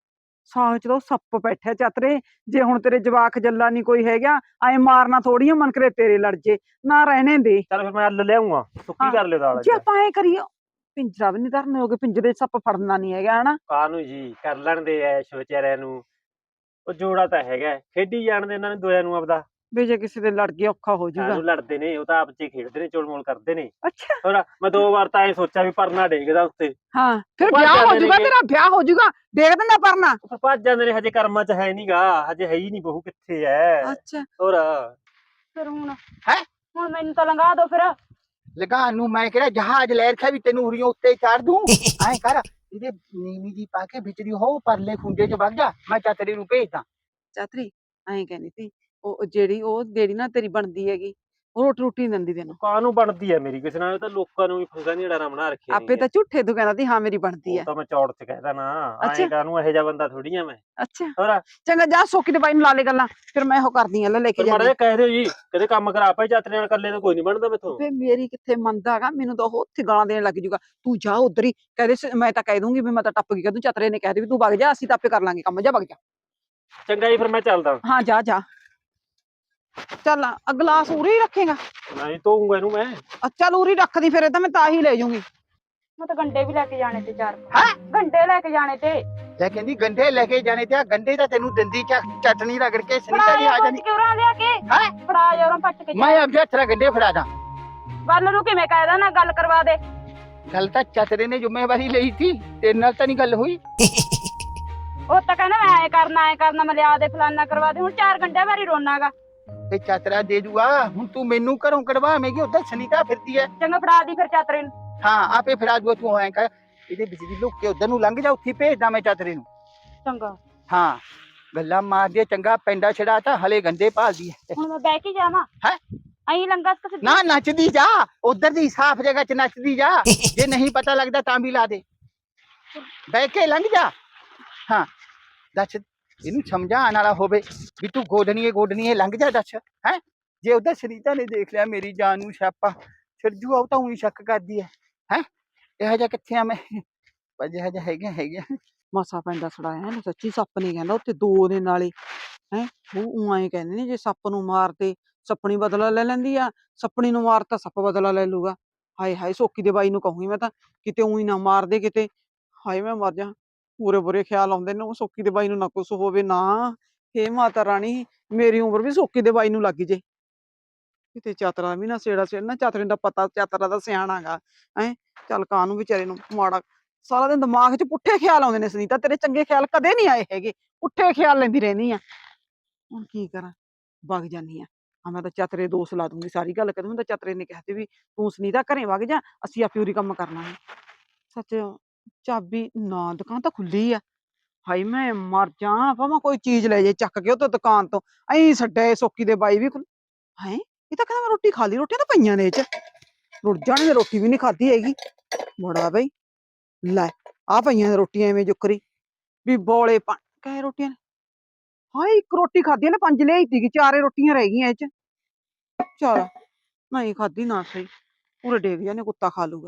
ਸਾਗ ਚ ਤਾਂ ਉਹ ਸੱਪ ਬੈਠਾ ਚਾਤਰੇ ਜੇ ਹੁਣ ਤੇਰੇ ਜਵਾਕ ਜੱਲਾ ਨਹੀਂ ਕੋਈ ਹੈਗਾ ਐ ਮਾਰਨਾ ਥੋੜੀਆਂ ਮਨ ਕਰੇ ਤੇਰੇ ਲੜ ਜੇ ਨਾ ਰਹਿਣੇ ਦੇ
ਚੱਲ ਫਿਰ ਮੈਂ ਹੱਲ ਲਿਆਉਂਗਾ ਸੁੱਕੀ
ਹਾਂ।
ਕਰ ਲਿਓ ਦਾਲ
ਜੇ ਆਪਾਂ ਐ ਕਰੀਏ ਪਿੰਜਰਾ ਵੀ ਨਹੀਂ ਧਰਨੇ ਹੋਗੇ ਪਿੰਜਰੇ ਚ ਸੱਪ ਫੜਨਾ ਨਹੀਂ ਹੈਗਾ ਹਨਾ
ਕਾਹਨੂੰ ਜੀ ਕਰ ਲੈਣ ਦੇ ਐਸ਼ ਵਿਚਾਰਿਆਂ ਨੂੰ ਉਹ ਜੋੜਾ ਤਾਂ ਹੈਗਾ ਖੇਡੀ ਜਾਣ ਦੇ ਇਹਨਾਂ ਨੇ ਦੋਆਂ ਨੂੰ ਆਪਦਾ
ਵੀ ਜੇ ਕਿਸੇ ਦੇ ਲੜ ਗਿਆ ਔਖਾ ਹੋ ਜਾਊਗਾ
ਨੂੰ ਲੜਦੇ ਨੇ ਉਹ ਤਾਂ ਆਪ ਚ ਹੀ ਖੇਡਦੇ ਨੇ ਚੋਲਮੋਲ ਕਰਦੇ ਨੇ
ਅੱਛਾ
ਹੋਰ ਮੈਂ ਦੋ ਵਾਰ ਤਾਂ ਐ ਸੋਚਿਆ ਵੀ ਪਰਨਾ ਡੇਗਦਾ ਉੱਤੇ
ਹਾਂ ਫਿਰ
ਭੱਜ
ਵਿਆਹ ਹੋ
ਜਾਂਦੇ
ਜਾਊਗਾ
ਨੇਗੇ।
ਤੇਰਾ ਵਿਆਹ ਹੋ ਜਾਊਗਾ ਦੇਖ ਦਿੰਦਾ ਪਰਨਾ
ਉਹ ਭੱਜ ਜਾਂਦੇ ਨੇ ਹਜੇ ਕਰਮਾਂ ਚ ਹੈ ਨਹੀਂਗਾ ਹਜੇ ਹੈ ਹੀ ਨਹੀਂ ਬਹੂ ਕਿੱਥੇ ਐ
ਅੱਛਾ
ਹੋਰ
ਫਿਰ ਹੁਣ
ਹੈਂ?
ਹੁਣ ਮੈਨੂੰ ਤਾਂ ਲੰਘਾ ਦੋ ਫਿਰ
ਲਗਾਨ ਨੂੰ ਮੈਂ ਕਿਹੜਾ ਜਹਾਜ਼ ਲੈ ਰੱਖਿਆ ਵੀ ਤੈਨੂੰ ਉਰੀਓ ਉੱਤੇ ਚਾੜ ਦੂੰ ਐ ਕਰ ਇਹਦੇ ਨੀਵੀਂ ਦੀ ਪਾ ਕੇ ਵਿਚੜੀ ਹੋ ਪਰਲੇ ਖੁੰਡੇ ਚ ਵਗ ਜਾ ਮੈਂ ਚਾਤਰੀ ਨੂੰ ਭੇਜਦਾ
ਚਾਤਰੀ ਐਂ ਕਹਿੰਦੀ ਸੀ ਉਹ ਜਿਹੜੀ ਉਹ ਜਿਹੜੀ ਨਾ ਤੇਰੀ ਬਣਦੀ ਹੈਗੀ ਉਹ ਰੋਟੀ ਰੋਟੀ ਨਹੀਂ ਦਿੰਦੀ ਤੈਨੂੰ।
ਕਾਹਨੂੰ ਬਣਦੀ ਹੈ ਮੇਰੀ ਕਿਸੇ ਨਾਲ, ਇਹ ਤਾਂ ਲੋਕਾਂ ਨੂੰ ਵੀ ਫੰਗਾ ਨਹੀਂ ਡਰਾ ਬਣਾ ਰੱਖਿਆ
ਆਪੇ ਤਾਂ ਝੂਠੇ ਤੂੰ ਕਹਿੰਦਾ ਸੀ ਹਾਂ ਮੇਰੀ ਬਣਦੀ
ਉਹ
ਹੈ।
ਤਾਂ ਮੈਂ ਚੌੜ ਚ ਕਹਿਦਾ ਨਾ,
ਅੱਛਾ।
ਐਂ ਕਾਹਨੂੰ ਇਹੋ ਜਿਹਾ ਬੰਦਾ ਥੋੜੀ ਆ ਮੈਂ।
ਅੱਛਾ
ਹੋਰ
ਚੰਗਾ ਜਾ ਸੋਕੀ ਦੇ ਬਾਈ ਨੂੰ ਲਾ ਲੈ ਗੱਲਾਂ, ਫਿਰ ਮੈਂ ਉਹ ਕਰਦੀ ਆ ਲੈ ਲੈ ਕੇ
ਪਰ ਮਾੜਾ
ਜਾਂਦੀ।
ਜਿਹਾ ਕਹਿ ਦਿਓ ਜੀ, ਕਦੇ ਕੰਮ ਕਰਾ ਪਏ ਚਾਤਰੇ ਨਾਲ, ਇਕੱਲੇ ਤੋਂ ਕੋਈ ਨਹੀਂ ਬਣਦਾ ਮੈਥੋਂ।
ਫੇ ਮੇਰੀ ਕਿੱਥੇ ਮੰਨਦਾ ਹੈਗਾ, ਮੈਨੂੰ ਤਾਂ ਉਹ ਉੱਥੇ ਗਾਲਾਂ ਦੇਣ ਲੱਗ ਜੂਗਾ। ਤੂੰ ਜਾ ਉਧਰ ਹੀ ਕਹਦੇ, ਮੈਂ ਤਾਂ ਕਹਿ ਦੂੰਗੀ ਵੀ ਮੈਂ ਤਾਂ ਟੱਪ ਗਈ, ਕਹ ਤੂੰ ਚਤਰੇ ਨੇ ਕਹਿ ਦੇ ਵੀ ਤੂੰ ਵਗ ਜਾ, ਅਸੀਂ ਤਾਂ ਆਪੇ ਕਰ ਲਾਂਗੇ ਕੰਮ, ਜਾ ਵਗ ਜਾ।
ਚੰਗਾ ਜੀ ਫਿਰ ਮੈਂ ਚੱਲਦਾ।
ਹਾਂ ਜਾ ਜਾ ਚੱਲ ਆ ਗਲਾਸ ਉਰੀ ਰੱਖੇਗਾ।
ਨਹੀਂ ਧੋਊਂਗਾ ਇਹਨੂੰ ਮੈਂ।
ਚੱਲ ਉਰੀ ਰੱਖਦੀ, ਫਿਰ ਇਹ ਤਾਂ ਮੈਂ ਤਾਂ ਹੀ ਲੈ ਜੂੰਗੀ।
ਮੈਂ ਤਾਂ ਗੰਡੇ ਵੀ ਲੈ ਕੇ ਜਾਣੇ ਤੇ ਚਾਰ
ਹੈਂ?
ਗੰਡੇ ਲੈ ਕੇ ਜਾਣੇ ਤੇ
ਲੈ ਕਹਿੰਦੀ ਗੰਢੇ ਲੈ ਕੇ ਜਾਣੇ ਤੇ ਆ ਗੰਢੇ ਤਾਂ ਤੈਨੂੰ ਦਿੰਦੀ ਚ ਚਟਣੀ ਰਗੜ ਕੇ ਸੁਨੀਤਾ ਜੀ ਆ ਜਾਣੀ।
ਕਿਉਂ ਲਿਆ ਕੇ
ਹੈਂ?
ਫੜਾ ਜਾ ਉਹਨਾਂ ਪੱਟ ਕੇ
ਮੈਂ ਆਪਦੇ ਹੱਥ ਨਾਲ ਗੰਢੇ ਫੜਾ ਦਾਂ।
ਵੱਲ ਨੂੰ ਕਿਵੇਂ ਕਹਿਦਾ ਨਾ ਗੱਲ ਕਰਵਾ ਦੇ।
ਗੱਲ ਤਾਂ ਚਤਰੇ ਨੇ ਜ਼ਿੰਮੇਵਾਰੀ ਲਈ ਸੀ, ਤੇਰੇ ਨਾਲ ਤਾਂ ਨਹੀਂ ਗੱਲ ਹੋਈ।
ਉਹ ਤਾਂ ਕਹਿੰਦਾ ਮੈਂ ਐ ਕਰਨਾ ਐ ਕਰਨਾ, ਮੈਂ ਲਿਆ ਦੇ ਫਲਾਨਾ ਕਰਵਾ ਦੇ, ਹੁਣ ਚਾਰ ਗੰਡੇ ਵਾਰੀ ਰੋਣਾਗਾ।
ਤੇ ਚਤਰਾ ਦੇ ਦੂਗਾ, ਹੁਣ ਤੂੰ ਮੈਨੂੰ ਘਰੋਂ ਕਢਵਾਵੇਂਗੀ, ਉੱਧਰ ਸੁਨੀਤਾ ਫਿਰਦੀ ਐ।
ਚੰਗਾ ਫੜਾ ਦੀ ਫਿਰ ਚਾਤਰੇ ਨੂੰ।
ਹਾਂ ਆਪੇ ਫੜਾ ਦੂਗਾ, ਤੂੰ ਐਂ ਕਰ ਇਹਦੇ ਬਿਜਲੀ ਲੁੱਕ ਕੇ ਉੱਧਰ ਨੂੰ ਲੰਘ ਜਾ, ਉੱਥੇ ਭੇਜਦਾ ਮੈਂ ਚਤਰੇ ਨੂੰ।
ਚੰਗਾ
ਹਾਂ ਗੱਲਾਂ ਮਾਰਦੀ ਚੰਗਾ ਪੈਂਡਾ ਛੜਾ ਤਾਂ ਹਲੇ ਗੰਢੇ ਭਾਲਦੀ ਐ।
ਹੁਣ ਮੈਂ ਬਹਿ ਕੇ ਜਾਵਾਂ
ਹੈਂ?
ਅਹੀਂ ਲੰਗਾ ਤੁਸੀਂ
ਨਾ ਨੱਚਦੀ ਜਾ, ਉਧਰ ਦੀ ਸਾਫ਼ ਜਗ੍ਹਾ 'ਚ ਨੱਚਦੀ ਜਾ, ਜੇ ਨਹੀਂ ਪਤਾ ਲੱਗਦਾ ਤਾਂ ਵੀ ਲਾ ਦੇ, ਬਹਿ ਕੇ ਲੰਘ ਜਾ। ਹਾਂ ਦੱਸ ਇਹਨੂੰ ਸਮਝਾਉਣ ਵਾਲਾ ਹੋਵੇ ਵੀ ਤੂੰ ਗੋਡਣੀਏ ਗੋਡਣੀਏ ਲੰਘ ਜਾ, ਦੱਸ ਹੈ। ਜੇ ਉਧਰ ਸੁਨੀਤਾ ਨੇ ਦੇਖ ਲਿਆ ਮੇਰੀ ਜਾਨ ਨੂੰ ਛਾਪਾ ਛਿਰਜੂ, ਆਉ ਤਾਂ ਉਹੀ ਸ਼ੱਕ ਕਰਦੀ ਹੈ ਹੈ ਇਹੋ ਜਿਹਾ ਕਿੱਥੇ ਆ ਮੈਂ, ਪਰ ਜਿਹੋ ਜਿਹਾ ਹੈਗੇ ਹੈਗੇ।
ਮਸਾ ਪੈਂਦਾ ਛੜਾਇਆ ਇਹਨੂੰ, ਸੱਚੀ ਸੱਪ ਨਹੀਂ ਕਹਿੰਦਾ ਉੱਥੇ ਦੋ ਦੇ ਨਾਲੇ ਹੈ। ਉਹ ਐਂ ਕਹਿੰਦੇ ਨੇ ਜੇ ਸੱਪ ਨੂੰ ਮਾਰਦੇ ਸੱਪਣੀ ਬਦਲਾ ਲੈ ਲੈਂਦੀ ਆ, ਸੱਪਣੀ ਨੂੰ ਮਾਰਤਾ ਸੱਪ ਬਦਲਾ ਲੈ ਲੂਗਾ। ਹਾਏ ਹਾਏ ਸੋਕੀ ਦੇ ਬਾਈ ਨੂੰ ਕਹੂੰਗੀ ਮੈਂ ਤਾਂ, ਕਿਤੇ ਉਹੀ ਨਾ ਮਾਰਦੇ ਕਿਤੇ। ਹਾਏ ਮੈਂ ਮਰ ਜਾ, ਬੁਰੇ ਬੁਰੇ ਖਿਆਲ ਆਉਂਦੇ ਨੇ। ਉਹ ਸੋਕੀ ਦੇ ਬਾਈ ਨੂੰ ਨਾ ਕੁਛ ਹੋਵੇ ਨਾ। ਹੇ ਮਾਤਾ ਰਾਣੀ ਮੇਰੀ ਉਮਰ ਵੀ ਸੋਕੀ ਦੇ ਬਾਈ ਨੂੰ ਲੱਗ ਜੇ, ਕਿਤੇ ਚਾਤਰਾ ਵੀ ਨਾ ਸੇੜਾ ਸੇੜਨਾ। ਚਾਤਰੇ ਦਾ ਪਤਾ ਚਾਤਰਾ ਦਾ ਸਿਆਣਾ ਗਾ ਹੈ। ਚੱਲ ਕਾਹਨੂੰ ਵਿਚਾਰੇ ਨੂੰ ਮਾੜਾ, ਸਾਰਾ ਦਿਨ ਦਿਮਾਗ 'ਚ ਪੁੱਠੇ ਖਿਆਲ ਆਉਂਦੇ ਨੇ। ਸੁਨੀਤਾ ਤੇਰੇ ਚੰਗੇ ਖਿਆਲ ਕਦੇ ਨਹੀਂ ਆਏ ਹੈਗੇ, ਪੁੱਠੇ ਖਿਆਲ ਲੈਂਦੀ ਰਹਿੰਦੀ ਆ। ਹੁਣ ਕੀ ਕਰਾਂ, ਵਗ ਜਾਨੀ ਆ। ਹਾਂ ਮੈਂ ਤਾਂ ਚਾਤਰੇ ਦੋਸ਼ ਲਾ ਦੂੰਗੀ, ਸਾਰੀ ਗੱਲ ਕਹਿ ਦੂੰਗੀ ਤਾਂ ਚਾਤਰੇ ਨੇ ਕਿਹਾ ਸੀ ਵੀ ਤੂੰ ਸੁਨੀਤਾ ਘਰੇ ਵਗ ਜਾ, ਅਸੀਂ ਆਪੇ ਉਰੀ ਕੰਮ ਕਰ ਲਾਂਗੇ। ਸੱਚ ਚਾਬੀ ਨਾ, ਦੁਕਾਨ ਤਾਂ ਖੁੱਲੀ ਆ। ਹਾਏ ਮੈਂ ਮਰ ਜਾ, ਭਾਵੇਂ ਕੋਈ ਚੀਜ਼ ਲੈ ਜੇ ਚੱਕ ਕੇ ਉਹ ਤੋਂ ਦੁਕਾਨ ਤੋਂ, ਐਂ ਛੱਡਿਆ ਸੋਕੀ ਦੇ ਬਾਈ ਵੀ। ਹੈਂ ਇਹ ਤਾਂ ਕਹਿੰਦਾ ਮੈਂ ਰੋਟੀ ਖਾ ਲਈ, ਰੋਟੀਆਂ ਤਾਂ ਪਈਆਂ ਨੇ ਇਹ 'ਚ, ਰੁੜ ਜਾਣਗੇ, ਰੋਟੀ ਵੀ ਨਹੀਂ ਖਾਧੀ ਹੈਗੀ। ਬੜਾ ਬਈ ਲੈ ਆ ਪਈਆਂ ਨੇ ਰੋਟੀਆਂ ਐਵੇਂ ਜੁਕਰੀ ਵੀ ਬੋਲੇ ਪਾ ਕਹੇ ਰੋਟੀਆਂ ਨੇ। ਹਾਏ ਇੱਕ ਰੋਟੀ ਖਾਧੀ ਨੇ, ਪੰਜ ਲਿਆਈ ਸੀਗੀ, ਚਾਰੇ ਰੋਟੀਆਂ ਰਹਿ ਗਈਆਂ ਇਹ 'ਚ। ਚੱਲ ਨਹੀਂ ਖਾਧੀ ਨਾ ਸਹੀ, ਪੂਰੇ ਡੇਗ ਜਾਨੇ, ਕੁੱਤਾ ਖਾ ਲੂਗਾ,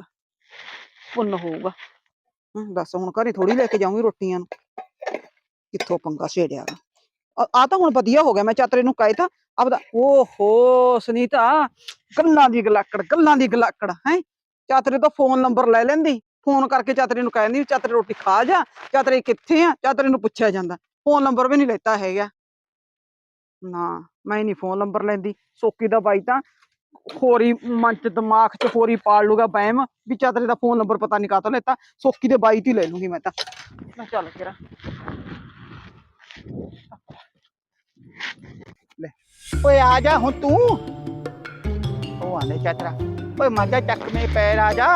ਪੁੰਨ ਹੋਊਗਾ। ਹਮ, ਦੱਸ ਹੁਣ ਘਰੇ ਥੋੜੀ ਲੈ ਕੇ ਜਾਊਂਗੀ ਰੋਟੀਆਂ ਨੂੰ, ਕਿੱਥੋਂ ਪੰਗਾ ਛੇੜਿਆ ਵਾ। ਆ ਤਾਂ ਹੁਣ ਵਧੀਆ ਹੋ ਗਿਆ, ਮੈਂ ਚਾਤਰੇ ਨੂੰ ਕਹਿ ਤਾ ਆਪਦਾ। ਓਹੋ ਸੁਨੀਤਾ ਗੱਲਾਂ ਦੀ ਗਲਾਕੜ, ਗੱਲਾਂ ਦੀ ਗਲਾਕੜ ਹੈ। ਚਾਤਰੇ ਤੋਂ ਫੋਨ ਨੰਬਰ ਲੈ ਲੈਂਦੀ, ਫੋਨ ਕਰਕੇ ਚਾਤਰੇ ਨੂੰ ਕਹਿ ਦਿੰਦੀ ਚਾਤਰੇ ਰੋਟੀ ਖਾ ਜਾ, ਚਾਤਰੇ ਕਿੱਥੇ ਆ, ਚਾਤਰੇ ਨੂੰ ਪੁੱਛਿਆ ਜਾਂਦਾ। ਫੋਨ ਨੰਬਰ ਵੀ ਨਹੀਂ ਲੈਤਾ ਹੈਗਾ ਨਾ, ਮੈਂ ਨਹੀਂ ਫੋਨ ਨੰਬਰ ਲੈਂਦੀ। ਸੋਕੀ ਦਾ ਬਾਈ ਤਾਂ ਹੋਰੀ ਮਨ 'ਚ ਦਿਮਾਗ 'ਚ ਹੋਰੀ ਪਾਲ ਲੂਗਾ ਵਹਿਮ ਵੀ ਚਾਤਰੇ ਦਾ ਫੋਨ ਨੰਬਰ ਪਤਾ ਨਹੀਂ ਕਾਹਤੋਂ ਲੈਤਾ। ਸੋਕੀ ਦੇ ਬਾਈ ਤੋਂ ਲੈ ਲੂੰਗੀ ਮੈਂ ਤਾਂ। ਮੈਂ ਚੱਲ ਕਿਰਾ
ਲੈ ਓਏ ਆ ਜਾ ਹੁਣ ਤੂੰ, ਉਹ ਆਨੇ ਚਾਤਰਾ ਓਏ ਮਾਜਾ ਚੱਕ ਮੇ ਪੈਰ ਆ ਜਾ।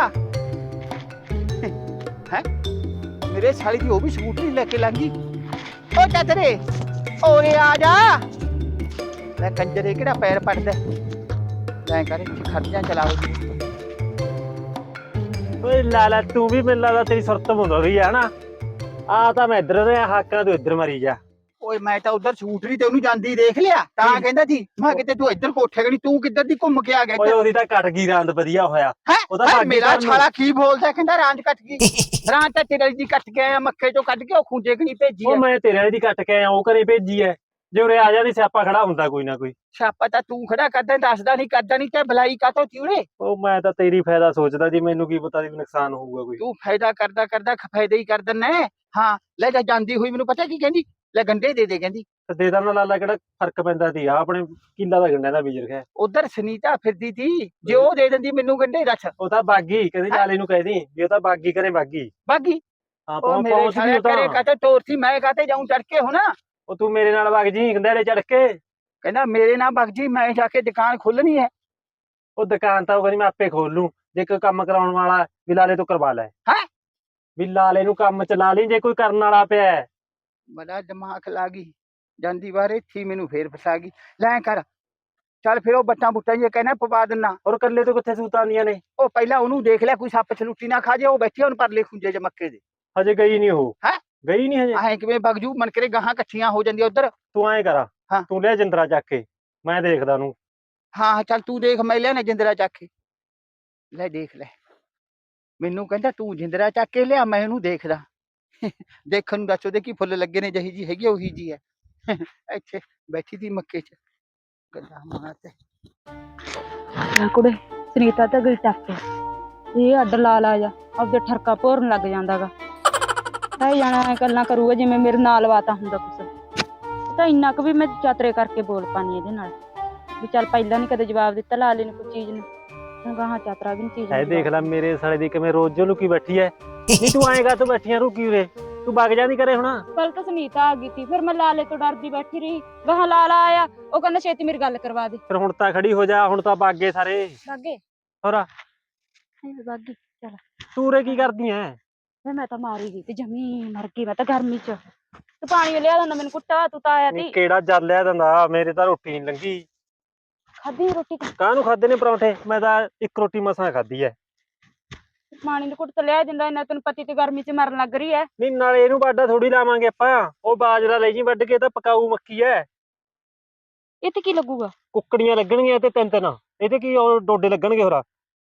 ਹੈ ਮੇਰੇ ਸਾਲੀ ਦੀ ਉਹ ਵੀ ਸਕੂਟਰੀ ਲੈ ਕੇ ਲੰਘੀ। ਓ ਚਾਤਰੇ ਓਏ ਆ ਜਾ, ਲੈ ਕੰਜਰੇ ਕਿਹੜਾ ਪੈਰ ਪੜਦਾ, ਲੈ ਕਰ ਖਰਚਾ ਚਲਾਓ।
ਓਏ ਲਾਲਾ ਤੂੰ ਵੀ ਮੈਨੂੰ ਲੱਗਦਾ ਤੇਰੀ ਸੁਰਤ ਮੁੰਦ ਹੋ ਗਈ ਹੈ ਨਾ। ਆ ਤਾਂ ਮੈਂ ਇੱਧਰ ਰਿਹਾ ਹਾਕਾਂ, ਤੂੰ ਇੱਧਰ ਮਰੀ ਜਾ।
ਓਏ ਮੈਂ ਤਾਂ ਉਧਰ ਸਕੂਟਰੀ ਤੇ ਉਹਨੂੰ ਜਾਂਦੀ ਦੇਖ ਲਿਆ, ਤਾਂ ਕਹਿੰਦਾ ਸੀ ਮੈਂ ਕਿਤੇ ਤੂੰ ਇੱਧਰ ਕੋਠੇ ਗਣੀ, ਤੂੰ ਕਿੱਧਰ ਦੀ ਘੁੰਮ ਕੇ ਆ ਗਿਆ।
ਓਏ ਉਹਦੀ ਤਾਂ ਕੱਟ ਗਈ ਰਾਂਦ, ਵਧੀਆ ਹੋਇਆ। ਉਹਦਾ
ਹੈਂ
ਭਾਗੀ
ਮੇਰਾ
ਘਰ ਨੂੰ-
ਛਾਲਾ ਕੀ ਬੋਲਦਾ, ਕਹਿੰਦਾ ਰਾਂਝ ਕੱਟ ਗਈ। ਰਾਂਝ ਤਾਂ ਤੇਰੇ ਦੀ ਕੱਟ ਕੇ ਆਇਆ, ਮੱਖੇ ਚੋਂ ਕੱਢ ਕੇ ਉਹ ਖੂੰਜੇ ਕਣੀ ਭੇਜੀ
ਉਹ
ਐ।
ਮੈਂ ਤੇਰੇ ਵਾਲੀ ਦੀ ਕੱਟ ਕੇ ਆਇਆ, ਉਹ ਘਰੇ ਭੇਜੀ ਐ। ਜੇ ਉਰੇ ਆ ਜਾਂਦੀ ਸਿਆਪਾ ਖੜਾ ਹੁੰਦਾ ਕੋਈ ਨਾ ਕੋਈ।
ਛਾਪਾ ਤਾਂ ਤੂੰ ਖੜਾ ਕਰਦਾ, ਦੱਸਦਾ ਨਹੀਂ, ਕਰਦਾ ਨਹੀਂ, ਤੇ ਭਲਾਈ ਕਾਤੋਂ ਚੂੜੇ।
ਉਹ ਮੈਂ ਤਾਂ ਤੇਰੀ ਫਾਇਦਾ ਸੋਚਦਾ ਜੀ, ਮੈਨੂੰ ਕੀ ਪਤਾ ਸੀ ਵੀ ਨੁਕਸਾਨ ਹੋਊਗਾ ਕੋਈ।
ਤੂੰ ਫਾਇਦਾ ਕਰਦਾ ਕਰਦਾ ਫਾਇਦਾ ਹੀ ਕਰ ਦਿੰਨਾ। ਹਾਂ ਲੈ ਜਾ, ਜਾਂਦੀ ਹੋਈ ਮੈਨੂੰ ਪਤਾ ਕੀ ਕਹਿੰਦੀ, ਲੈ ਗੰਢੇ ਦੇ ਦੇ ਕਹਿੰਦੀ।
ਤੇ ਦੇ ਦੇਣਾ ਲਾਲਾ, ਕਿਹੜਾ ਫਰਕ ਪੈਂਦਾ ਸੀ। ਆ ਆਪਣੇ ਕਿੱਲਾ ਦਾ ਗੰਡਿਆਂ ਦਾ ਬੀਜ ਰਖਿਆ।
ਉਧਰ ਸੁਨੀਤਾ ਫਿਰਦੀ ਤੀ, ਜੇ ਉਹ ਦੇ ਦਿੰਦੀ ਮੈਨੂੰ ਗੰਢੇ, ਦੱਸ।
ਉਹ ਤਾਂ ਬਾਗੀ, ਕਹਿੰਦੀ ਲਾਲੇ ਨੂੰ ਕਹਿਦੀ ਵੀ ਉਹ ਤਾਂ ਬਾਗੀ ਕਰੇ ਬਾਗੀ।
ਬਾਗੀ
ਹਾਂ
ਉਹ ਮੇਰੇ
ਪਹੁੰਚ
ਸਾਲੇ
ਗਈ ਉਹ
ਕਰੇ
ਤਾਂ।
ਕਾਤੇ ਤੋਰ ਸੀ, ਮੈਂ ਕਾਤੇ ਜਾਊਂ ਚੜ ਕੇ ਹੁਣ।
ਉਹ ਤੂੰ ਮੇਰੇ ਨਾਲ ਵਗ ਜੀ ਗੰਡਿਆਲੇ ਚੜ ਕੇ।
ਕਹਿੰਦਾ ਮੇਰੇ ਨਾਲ ਬਗ ਜੀ, ਮੈਂ ਜਾ ਕੇ ਦੁਕਾਨ ਖੋਲਣੀ ਹੈ।
ਉਹ ਦੁਕਾਨ ਤਾਂ ਉਹ ਕਹਿੰਦੀ ਮੈਂ ਆਪੇ ਖੋਲ ਲੂੰ, ਜੇ ਕੋਈ ਕੰਮ ਕਰਾਉਣ ਵਾਲਾ ਵੀ ਲਾਲੇ ਤੋਂ ਕਰਵਾ ਲੈ।
ਹੈਂ
ਵੀ ਲਾਲੇ ਨੂੰ ਕੰਮ ਚਲਾ ਲਈ, ਜੇ ਕੋਈ ਕਰਨ ਵਾਲਾ ਪਿਆ।
ਬੜਾ ਦਿਮਾਗ ਲਾ ਗਈ। ਜਾਂਦੀ ਵਾਰ ਇੱਥੇ ਹੀ ਮੈਨੂੰ ਫੇਰ ਫਸਾ ਗਈ। ਲੈ ਕਰ ਚੱਲ ਫਿਰ ਉਹ ਬੱਟਾਂ ਬੁੱਟਾਂ ਜੇ ਕਹਿਣਾ ਪਵਾ ਦਿੰਨਾ।
ਔਰ ਕੱਲੇ ਤੋਂ ਕਿੱਥੇ ਸੂਤਾਂ ਆਉਂਦੀਆਂ ਨੇ?
ਉਹ ਪਹਿਲਾਂ ਉਹਨੂੰ ਦੇਖ ਲਿਆ ਕੋਈ ਸੱਪ ਛਲੂਟੀ ਨਾ ਖਾ ਜੇ। ਉਹ ਬੈਠੀ ਹੁਣ ਪਰਲੇ ਖੁੰਝੇ ਚ ਮੱਕੇ ਦੇ।
ਹਜੇ ਗਈ ਨਹੀਂ ਉਹ।
ਹੈਂ?
ਗਈ ਨਹੀਂ ਹਜੇ?
ਐ ਕਿਵੇਂ ਬਗਜੂ ਮਨ ਕਰੇ ਗਾਹਾਂ ਇਕੱਠੀਆਂ ਹੋ ਜਾਂਦੀਆਂ ਉਧਰ।
ਤੂੰ ਐਂ ਕਰਾ
ਹਾਂ।
ਤੂੰ ਲਿਆ ਜਿੰਦਰਾ ਚੱਕ ਕੇ, ਮੈਂ ਦੇਖਦਾ ਉਹਨੂੰ।
ਹਾਂ ਚੱਲ ਤੂੰ ਦੇਖ, ਮੈਂ ਲਿਆ ਨਾ ਜਿੰਦਰਾ ਚੱਕ ਕੇ। ਲੈ ਦੇਖ ਲੈ, ਮੈਨੂੰ ਕਹਿੰਦਾ ਤੂੰ ਜਿੰਦਰਾ ਚੱਕ ਕੇ ਲਿਆ, ਮੈਂ ਉਹਨੂੰ ਦੇਖਦਾ। ਦੇਖਣ ਨੂੰ ਦੱਸ ਉਹਦੇ ਕੀ ਫੁੱਲ ਲੱਗੇ ਨੇ, ਜਿਹੀ ਜੀ ਹੈਗੀ ਆ ਉਹੀ ਜੀ ਹੈ। ਇੱਥੇ ਬੈਠੀ ਦੀ ਮੱਕੇ ਚ ਗੱਲਾਂ ਮਾਰ ਤੇ।
ਆ ਕੁੜੇ ਸੁਨੀਤਾ ਤਾਂ ਗਈ ਟੱਕ ਇਹ ਅੱਡ ਲਾ ਲਾ ਜਾ ਆਪਦੇ ਠਰਕਾ ਭੋਰਨ ਲੱਗ ਜਾਂਦਾਗਾ। ਤਾਂ ਜਾਣਾ ਗੱਲਾਂ ਕਰੂਗਾ ਜਿਵੇਂ ਮੇਰੇ ਨਾਲ ਵਾਤਾ ਹੁੰਦਾ ਕੁਛ। ਤਾਂ ਇੰਨਾ ਕੁ ਵੀ ਮੈਂ ਚਾਤਰੇ ਕਰਕੇ ਬੋਲ ਪਾਣੀ ਇਹਦੇ ਨਾਲ ਵੀ ਚੱਲ ਪਹਿਲਾਂ ਨੀ ਕਦੇ ਜਵਾਬ ਦਿੱਤਾ ਲਾਲੇ ਨੇ ਕੋਈ ਚੀਜ਼ ਨੂੰ, ਹੁਣ ਗਾਹਾਂ ਚਾਤਰਾ ਵੀ ਨੀ ਚੀਜ਼
ਐ ਦੇਖ ਲੈ ਮੇਰੇ ਸਾਲੇ ਦੀ ਕਿਵੇਂ ਰੋਜ਼ ਲੁਕੀ ਬੈਠੀ ਐ। ਨਹੀਂ ਤੂੰ ਆਏਗਾ ਤੂੰ ਬੈਠੀਆਂ ਰੁਕੀ ਉਰੇ, ਤੂੰ ਵਗ ਜਾਂਦੀ ਕਰੇ ਹੁਣ।
ਕੱਲ ਤਾਂ ਸੁਨੀਤਾ ਆ ਗਈ ਸੀ, ਫਿਰ ਮੈਂ ਲਾਲੇ ਤੋਂ ਡਰਦੀ ਬੈਠੀ ਰਹੀ। ਗਾਹਾਂ ਲਾਲਾ ਆਇਆ, ਉਹ ਕਹਿੰਦਾ ਛੇਤੀ ਮੇਰੀ ਗੱਲ ਕਰਵਾ ਦੇ।
ਫਿਰ ਹੁਣ ਤਾਂ ਖੜੀ ਹੋ ਜਾ, ਹੁਣ ਤਾਂ ਬਾਗੇ ਸਾਰੇ।
ਬਾਗੇ
ਹੋਰ
ਬਾਗੀ ਚੱਲ।
ਤੂੰ ਉਰੇ ਕੀ ਕਰਦੀ ਐ?
ਫਿਰ ਮੈਂ ਤਾਂ ਮਾਰੀ ਗਈ ਤੇ ਜਮੀ ਮਰ ਗਈ ਮੈਂ ਤਾਂ ਗਰਮੀ ਚ। ਤੂੰ ਪਾਣੀ ਲਿਆ ਦਿੰਦਾ ਮੈਨੂੰ ਕੁੱਟਾ, ਤੂੰ ਤਾਂ ਆਇਆ ਤੀ।
ਕਿਹੜਾ ਜਲ ਲਿਆ ਦਿੰਦਾ, ਮੇਰੇ ਤਾਂ ਰੋਟੀ ਨਹੀਂ ਲੰਗੀ।
ਖਾਧੀ ਰੋਟੀ?
ਕਾਹਨੂੰ ਖਾਦੇ ਨੇ ਪਰੌਂਠੇ, ਮੈਂ ਤਾਂ ਇੱਕ ਰੋਟੀ ਮਸਾਂ ਖਾਧੀ ਐ।
ਪਾਣੀ ਦੇ ਕੁੱਟ ਤੇ ਲਿਆ ਦਿੰਦਾ, ਇਹਨਾਂ ਤੈਨੂੰ ਪਤੀ ਤੇ ਗਰਮੀ ਚ ਮਰਨ ਲੱਗ ਰਹੀ ਐ।
ਨਹੀਂ ਨਾਲੇ ਇਹਨੂੰ ਬਾਡਾ ਥੋੜੀ ਲਾਵਾਂਗੇ ਆਪਾਂ, ਉਹ ਬਾਜਰਾ ਲੈ ਜੀ ਵੱਢ ਕੇ, ਤਾਂ ਪਕਾਊ ਮੱਕੀ ਐ।
ਇਹ ਤੇ ਕੀ ਲੱਗੂਗਾ?
ਕੁੱਕੜੀਆਂ ਲੱਗਣਗੀਆਂ ਤੇ ਤਿੰਨ ਤਿੰਨ, ਇਹਦੇ ਕੀ ਉਹ ਡੋਡੇ ਲੱਗਣਗੇ ਹੋਰਾ।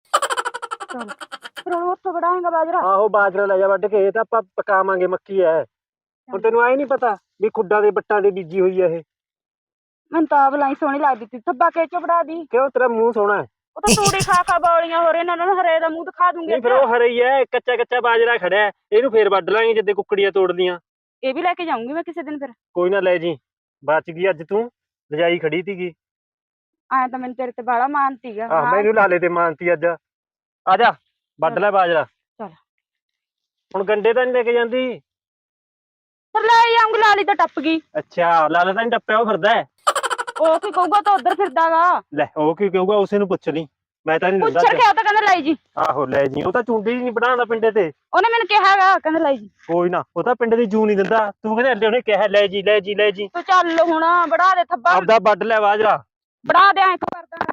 ਚਲ ਫਿਰ ਹੁਣ ਉੱਥੋਂ ਵੜਾਏਗਾ ਬਾਜਰਾ?
ਆਹੋ ਬਾਜਰਾ ਲੈ ਜਾ ਵੱਢ ਕੇ, ਇਹ ਤਾਂ ਆਪਾਂ ਪਕਾਵਾਂਗੇ ਮੱਕੀ ਐ। ਹੁਣ ਤੈਨੂੰ ਆਏ ਨੀ ਪਤਾ ਵੀ ਖੁੱਡਾਂ ਦੇ ਬੱਟਾਂ ਦੇ ਬੀਜੀ ਹੋਈ ਐ ਇਹ?
ਮੈਨੂੰ ਤਾਂ ਬਲਾਈ ਸੋਹਣੀ ਲੱਗਦੀ ਤੀ, ਥੱਬਾ ਕੇ ਚੁਬੜਾ ਦੀ।
ਕਿਉਂ ਤੇਰਾ ਮੂੰਹ ਸੋਹਣਾ ਹੈ?
ਉਹ ਤਾਂ ਤੂੜੀ ਖਾ ਖਾ ਬੌਲੀਆਂ ਹੋ ਰਹੀਆਂ, ਇਹਨਾਂ ਨੂੰ ਹਰੇ ਦਾ ਮੂੰਹ ਦਿਖਾ ਦੂੰਗੇ।
ਨਹੀਂ ਫਿਰ ਉਹ ਹਰੇ ਹੀ ਐ, ਕੱਚਾ ਕੱਚਾ ਬਾਜਰਾ ਖੜਿਆ, ਇਹਨੂੰ ਫੇਰ ਵੱਢ ਲਾਂਗੇ ਜਿੱਦੇ ਕੁੱਕੜੀਆਂ ਤੋੜਦੀਆਂ।
ਇਹ ਵੀ ਲੈ ਕੇ ਜਾਊਂਗੀ ਮੈਂ ਕਿਸੇ ਦਿਨ। ਫਿਰ
ਕੋਈ ਨਾ ਲੈ ਜੀ, ਬਚ ਗਈ ਅੱਜ ਤੂੰ, ਰਜਾਈ ਖੜੀ ਤੀਗੀ।
ਆਇਆ ਤਾਂ ਮੈਨੂੰ ਤੇਰੇ ਤੇ ਬਾਲਾ ਮਾਨ ਸੀਗਾ।
ਆਹ ਮੈਨੂੰ ਲਾਲੇ ਤੇ ਮਾਨਤੀ ਅੱਜ। ਆ ਜਾ ਵੱਢ ਲੈ ਬਾਜਰਾ।
ਚੱਲ
ਹੁਣ ਗੰਡੇ ਤਾਂ ਨਹੀਂ ਲੈ ਕੇ ਜਾਂਦੀ?
ਫਿਰ ਲੈ ਆਉਂਗੀ, ਲਾਲੀ ਤਾਂ ਟੱਪ ਗਈ।
ਅੱਛਾ ਲਾਲਾ ਤਾਂ ਨਹੀਂ ਟੱਪਿਆ, ਉਹ ਫਿਰਦਾ ਹੈ।
ਉਹ ਕੀ ਕਹੂਗਾ, ਤਾਂ ਉਧਰ ਫਿਰਦਾਗਾ।
ਲੈ ਉਹ ਕੀ ਕਹੂਗਾ, ਉਸੇ ਨੂੰ ਪੁੱਛ ਲਈ, ਮੈਂ ਤਾਂ ਨਹੀਂ
ਪੁੱਛ
ਦਿੰਦਾ।
ਕੇ ਉਹ ਤਾਂ ਕਹਿੰਦਾ ਲੈ ਜੀ।
ਆਹੋ ਲੈ ਜੀ, ਉਹ ਤਾਂ ਚੁੰਡੀ ਨਹੀਂ ਬਣਾਉਂਦਾ ਪਿੰਡੇ ਤੇ।
ਉਹਨੇ ਮੈਨੂੰ ਕਿਹਾਗਾ, ਕਹਿੰਦਾ ਲੈ ਜੀ।
ਕੋਈ ਨਾ, ਉਹ ਤਾਂ ਪਿੰਡ ਦੀ ਜੂ ਨਹੀਂ ਦਿੰਦਾ, ਤੂੰ ਕਹਿੰਦੇ ਅੱਲੇ ਉਹਨੇ ਕਿਹਾ ਲੈ ਜੀ ਲੈ ਜੀ ਲੈ ਜੀ।
ਤੂੰ ਚੱਲ ਹੁਣ ਬੜਾ ਦੇ ਥੱਬਾ,
ਆਪਦਾ ਵੱਢ ਲੈ ਬਾਜਰਾ।
ਬੜਾ ਦੇ ਐਂ ਕਰਦਾ।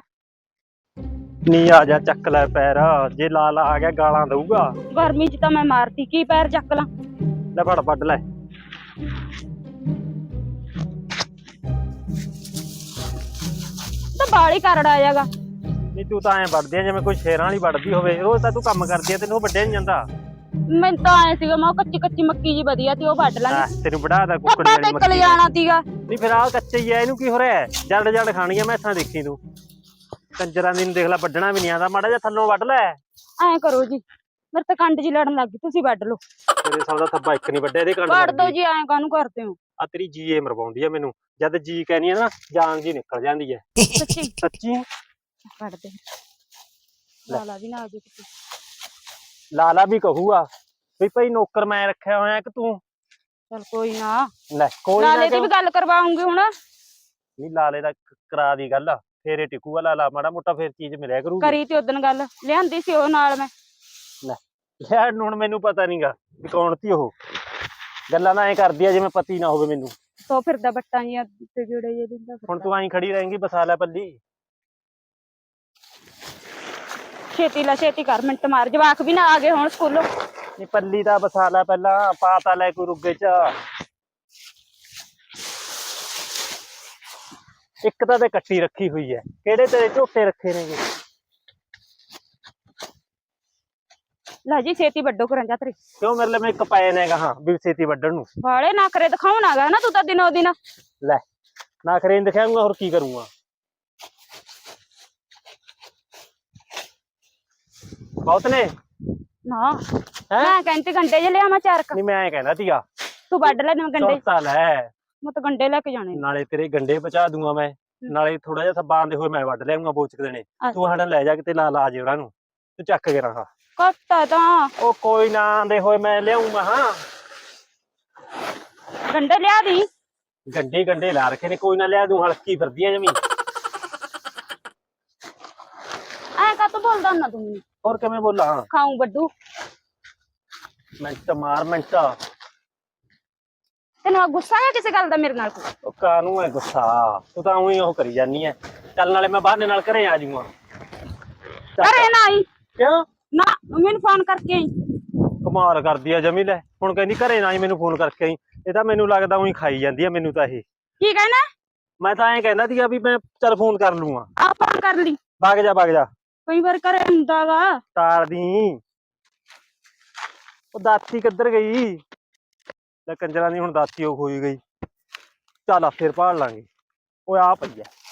ਨੀ ਆ ਜਾ ਚੱਕ ਲੈ ਪੈਰ, ਜੇ ਲਾਲਾ ਆ ਗਿਆ ਗਾਲਾਂ ਦਊਗਾ।
ਗਰਮੀ ਚ ਤਾਂ ਮੈਂ ਮਾਰਤੀ, ਕੀ ਪੈਰ ਚੱਕ ਲਾਂ।
ਲੈ ਫੜ ਵੱਢ ਲੈ।
ਤਾਂ ਬਾਲੀ ਕਰੜਾ ਆਇਆਗਾ।
ਨਹੀਂ ਤੂੰ ਤਾਂ ਐਂ ਵੱਢਦੀ ਆ ਜਿਵੇਂ ਕੋਈ ਸ਼ੇਰਾਂ ਵਾਲੀ ਵੱਢਦੀ ਹੋਵੇ, ਰੋਜ਼ ਤਾਂ ਤੂੰ ਕੰਮ ਕਰਦੀ ਆ, ਤੈਨੂੰ ਉਹ ਵੱਢਿਆ ਨੀ ਜਾਂਦਾ।
ਮੈਨੂੰ ਤਾਂ ਐ ਸੀਗਾ ਮੈਂ ਕੱਚੀ ਕੱਚੀ ਮੱਕੀ ਜੀ ਵਧੀਆ ਤੀ, ਉਹ ਵੱਢ ਲਾਂਗੇ।
ਆਹ, ਤੈਨੂੰ ਵੜਾ ਕੁੱਕੜੀ
ਥੱਬਾ
ਵਾਲੀ
ਤੇ
ਮੱਕੀ।
ਕਲ ਜਾਣਾ ਤੀਗਾ।
ਨਹੀਂ ਫਿਰ ਆਹ ਕੱਚੇ ਹੀ ਆ, ਇਹਨੂੰ ਕੀ ਹੋ ਰਿਹਾ? ਜੜ ਜੜ ਖਾਣੀਆਂ ਮੈਸਾਂ, ਦੇਖੀ ਤੂੰ ਕੰਜਰਾਂ ਦੀ ਨੂੰ ਦੇਖ ਲੈ, ਵੱਢਣਾ ਵੀ ਨਹੀਂ ਆਉਂਦਾ, ਮਾੜਾ ਜਿਹਾ ਥੱਲੋਂ ਵੱਢ ਲੈ।
ਐਂ ਕਰੋ ਜੀ, ਮੇਰੇ ਤਾਂ ਕੰਡ ਜੀ ਲੜਨ ਲੱਗ ਗਈ, ਤੁਸੀਂ ਵੱਢ ਲਓ।
ਤੇਰੇ ਸਾਲ ਦਾ ਥੱਬਾ ਇੱਕ ਨਹੀਂ ਵੱਢਿਆ, ਇਹਦੇ ਕੰਨ
ਵੱਢ ਦੋ ਜੀ, ਐਂ ਕਾਹਨੂੰ ਕਰਦੇ ਹੋ?
ਆ ਤੇਰੀ ਜੀ ਏ ਮਰਵਾਉਂਦੀ ਆ ਮੈਨੂੰ, ਜਦ ਜੀ ਕਹਿਨੀ ਆ ਨਾ ਜਾਨ ਜੀ ਨਿਕਲ ਜਾਂਦੀ ਹੈ।
ਸੱਚੀ
ਸੱਚੀ
ਵੱਢ ਦੇ। ਲਾਲਾ ਵੀ ਨਾ ਆ ਜੇ ਕਿਤੇ।
ਲਾਲਾ ਵੀ ਕਹੂਗਾ ਵੀ ਭਾਈ ਨੌਕਰ ਮੈਂ ਰੱਖਿਆ ਹੋਇਆ ਕਿ ਤੂੰ।
ਚਲ ਕੋਈ ਨਾ,
ਲੈ ਕੋਈ
ਲਾਲੇ
ਨਾ,
ਦੀ ਵੀ ਗੱਲ ਕਰਵਾਉਂਗੀ ਹੁਣ।
ਨਹੀਂ ਲਾਲੇ ਦਾ ਕਰਾ ਦੀ ਗੱਲ, ਫੇਰੇ ਟਿਕੂਗਾ ਲਾਲਾ, ਮਾੜਾ ਮੋਟਾ ਫੇਰ ਚੀਜ਼ ਮਿਲਿਆ ਕਰੂਗੀ।
ਕਰੀ ਤੇ ਉਦਣ ਗੱਲ, ਲਿਆਂਦੀ ਸੀ ਉਹ ਨਾਲ ਮੈਂ।
ਲੈ ਲਿਆ ਹੁਣ ਮੈਨੂੰ ਪਤਾ ਨਹੀਂਗਾ ਵੀ ਕੌਣ ਤੀ ਉਹ, ਗੱਲਾਂ ਨਾ ਐ ਕਰਦੀ ਆ ਜਿਵੇਂ ਪਤੀ ਨਾ ਹੋਵੇ ਮੈਨੂੰ।
ਸੋ ਫਿਰਦਾ ਬੱਟਾਂ ਜੀਆਂ ਤੇ ਜੁੜੇ ਜੇ ਦਿੰਦਾ।
ਹੁਣ ਤੂੰ ਐਂ ਖੜੀ ਰਹੇਂਗੀ, ਬਸਾ ਲੈ ਪੱਲੀ।
ਛੇਤੀ ਲਾ ਛੇਤੀ ਕਰ, ਮਿੰਟ ਮਾਰ, ਜਵਾਕ ਵੀ ਨਾ ਆ ਗਏ ਹੁਣ ਸਕੂਲੋਂ।
ਨਹੀਂ ਪੱਲੀ ਦਾ ਬਸਾ ਲੈ ਪਹਿਲਾਂ, ਪਾ ਤਾ ਲੈ ਕੋਈ ਰੁੱਗੇ ਚ। ਇੱਕ ਤਾਂ ਤੇ ਕੱਟੀ ਰੱਖੀ ਹੋਈ ਹੈ, ਕਿਹੜੇ ਤੇਰੇ ਝੋਟੇ ਰੱਖੇ ਨੇਗੇ?
ਲੈ ਜੀ ਛੇਤੀ ਵੱਡੋ ਕਰਾਂ ਜਾ ਤੇਰੇ।
ਕਿਉਂ ਮੇਰੇ ਲਈ ਮੈਂ ਇੱਕ ਪਾਏ ਨੇ ਗਾਹਾਂ ਵੀ ਛੇਤੀ ਵੱਢਣ ਨੂੰ?
ਵਾਲੇ ਨਾ ਕਰੇ ਦਿਖਾਉਣਾਗਾ ਨਾ ਤੂੰ ਤਾਂ ਦਿਨੋ ਦਿਨ।
ਲੈ ਨਾ ਖਰੇ ਨੀ ਦਿਖਾਉਂਗਾ, ਹੋਰ ਕੀ ਕਰੂੰਗਾ? ਬਹੁਤ ਨੇ
ਨਾ ਮੈਂ ਕਹਿੰਦੀ ਗੰਡੇ ਜੇ ਲਿਆ ਮੈਂ ਚਾਰ ਕ।
ਨਹੀਂ ਮੈਂ ਐਂ ਕਹਿੰਦਾ ਸੀਗਾ
ਤੂੰ ਵੱਢ ਲੈ ਨਾ ਗੰਡੇ,
ਚੌਥਾ ਲੈ,
ਮੈਂ ਤਾਂ ਗੰਡੇ ਲੈ ਕੇ ਜਾਣੇ।
ਨਾਲੇ ਤੇਰੇ ਗੰਡੇ ਪਹੁੰਚਾ ਦੂੰਗਾ ਮੈਂ, ਨਾਲੇ ਥੋੜਾ ਜਿਹਾ ਥੱਬਾ ਆਂਦੇ ਹੋਏ ਮੈਂ ਵੱਢ ਲਿਆਉਂਗਾ ਬੋਚਕ ਦੇਣੇ। ਤੂੰ ਸਾਡਾ ਲੈ ਜਾ ਕਿਤੇ ਲਾ ਲਾ ਜੇ ਉਹਨਾਂ ਨੂੰ, ਤੂੰ ਚੱਕ ਕੇ ਰਹਾ।
ਕੱਟਾ ਤਾਂ
ਉਹ ਕੋਈ ਨਾ ਆਂਦੇ ਹੋਏ ਮੈਂ ਲਿਆਉਂਗਾ। ਹਾਂ
ਗੰਡੇ ਲਿਆ ਦੀ।
ਗੰਡੇ ਗੰਡੇ ਲਾ ਰੱਖੇ ਨੇ, ਕੋਈ ਨਾ ਲਿਆ ਦੂੰ, ਹਲਕੀ ਫਿਰਦੀ ਆ ਜਮੀ।
ਐ ਕਾ ਤੂੰ ਬੋਲਦਾ ਨਾ ਤੂੰ ਮੈਨੂੰ?
ਹੋਰ ਕਿਵੇਂ ਬੋਲਾਂ?
ਖਾਊਂ ਵੱਡੂ
ਮਿੰਟ ਮਾਰ ਮਿੰਟ।
ਤੇ ਤੈਨੂੰ ਆ ਗੁੱਸਾ ਆ ਕਿਸੇ ਗੱਲ ਦਾ ਮੇਰੇ ਨਾਲ ਕੋਈ?
ਉਹ ਕਾਹਨੂੰ ਹੈ ਗੁੱਸਾ, ਤੂੰ ਤਾਂ ਉਹੀ ਉਹ ਕਰੀ ਜਾਨੀ ਐ। ਚੱਲ ਨਾਲੇ ਮੈਂ ਬਹਾਨੇ ਨਾਲ ਘਰੇ ਆ ਜਾਊਂਗਾ।
ਘਰੇ ਨਾ ਆਈ,
ਕਿਉਂ?
ਨਾ ਮੈਨੂੰ ਫੋਨ ਕਰਕੇ ਆਈ।
ਕਮਾਲ ਕਰਦੀ ਆ ਜਮੀ। ਲੈ ਹੁਣ ਕਹਿੰਦੀ ਘਰੇ ਨਾ ਹੀ ਮੈਨੂੰ ਫੋਨ ਕਰਕੇ ਆਈ। ਇਹ ਤਾਂ ਮੈਨੂੰ ਲੱਗਦਾ ਉਹੀ ਖਾਈ ਜਾਂਦੀ ਆ ਮੈਨੂੰ ਤਾਂ ਇਹ।
ਕੀ ਕਹਿਣਾ?
ਮੈਂ ਤਾਂ ਐਂ ਕਹਿੰਦਾ ਸੀਗਾ ਵੀ ਮੈਂ ਚੱਲ ਫੋਨ ਕਰ ਲੂੰਗਾ।
ਆ ਫੋਨ ਕਰ ਲਈ,
ਵਗ ਜਾ ਵਗ ਜਾ।
ਕਈ ਵਾਰ ਘਰੇ ਹੁੰਦਾ ਵਾ।
ਤਾਰਦੀ ਉਹ ਦਾਤੀ ਕਿੱਧਰ ਗਈ? ਲੈ ਕੰਜਰਾਂ ਦੀ ਹੁਣ ਦਾਤੀ ਉਹ ਖੋਈ ਗਈ। ਚੱਲ ਆ ਫਿਰ ਭਾਲ ਲਾਂਗੇ। ਓਏ ਆ ਪਈ ਐ।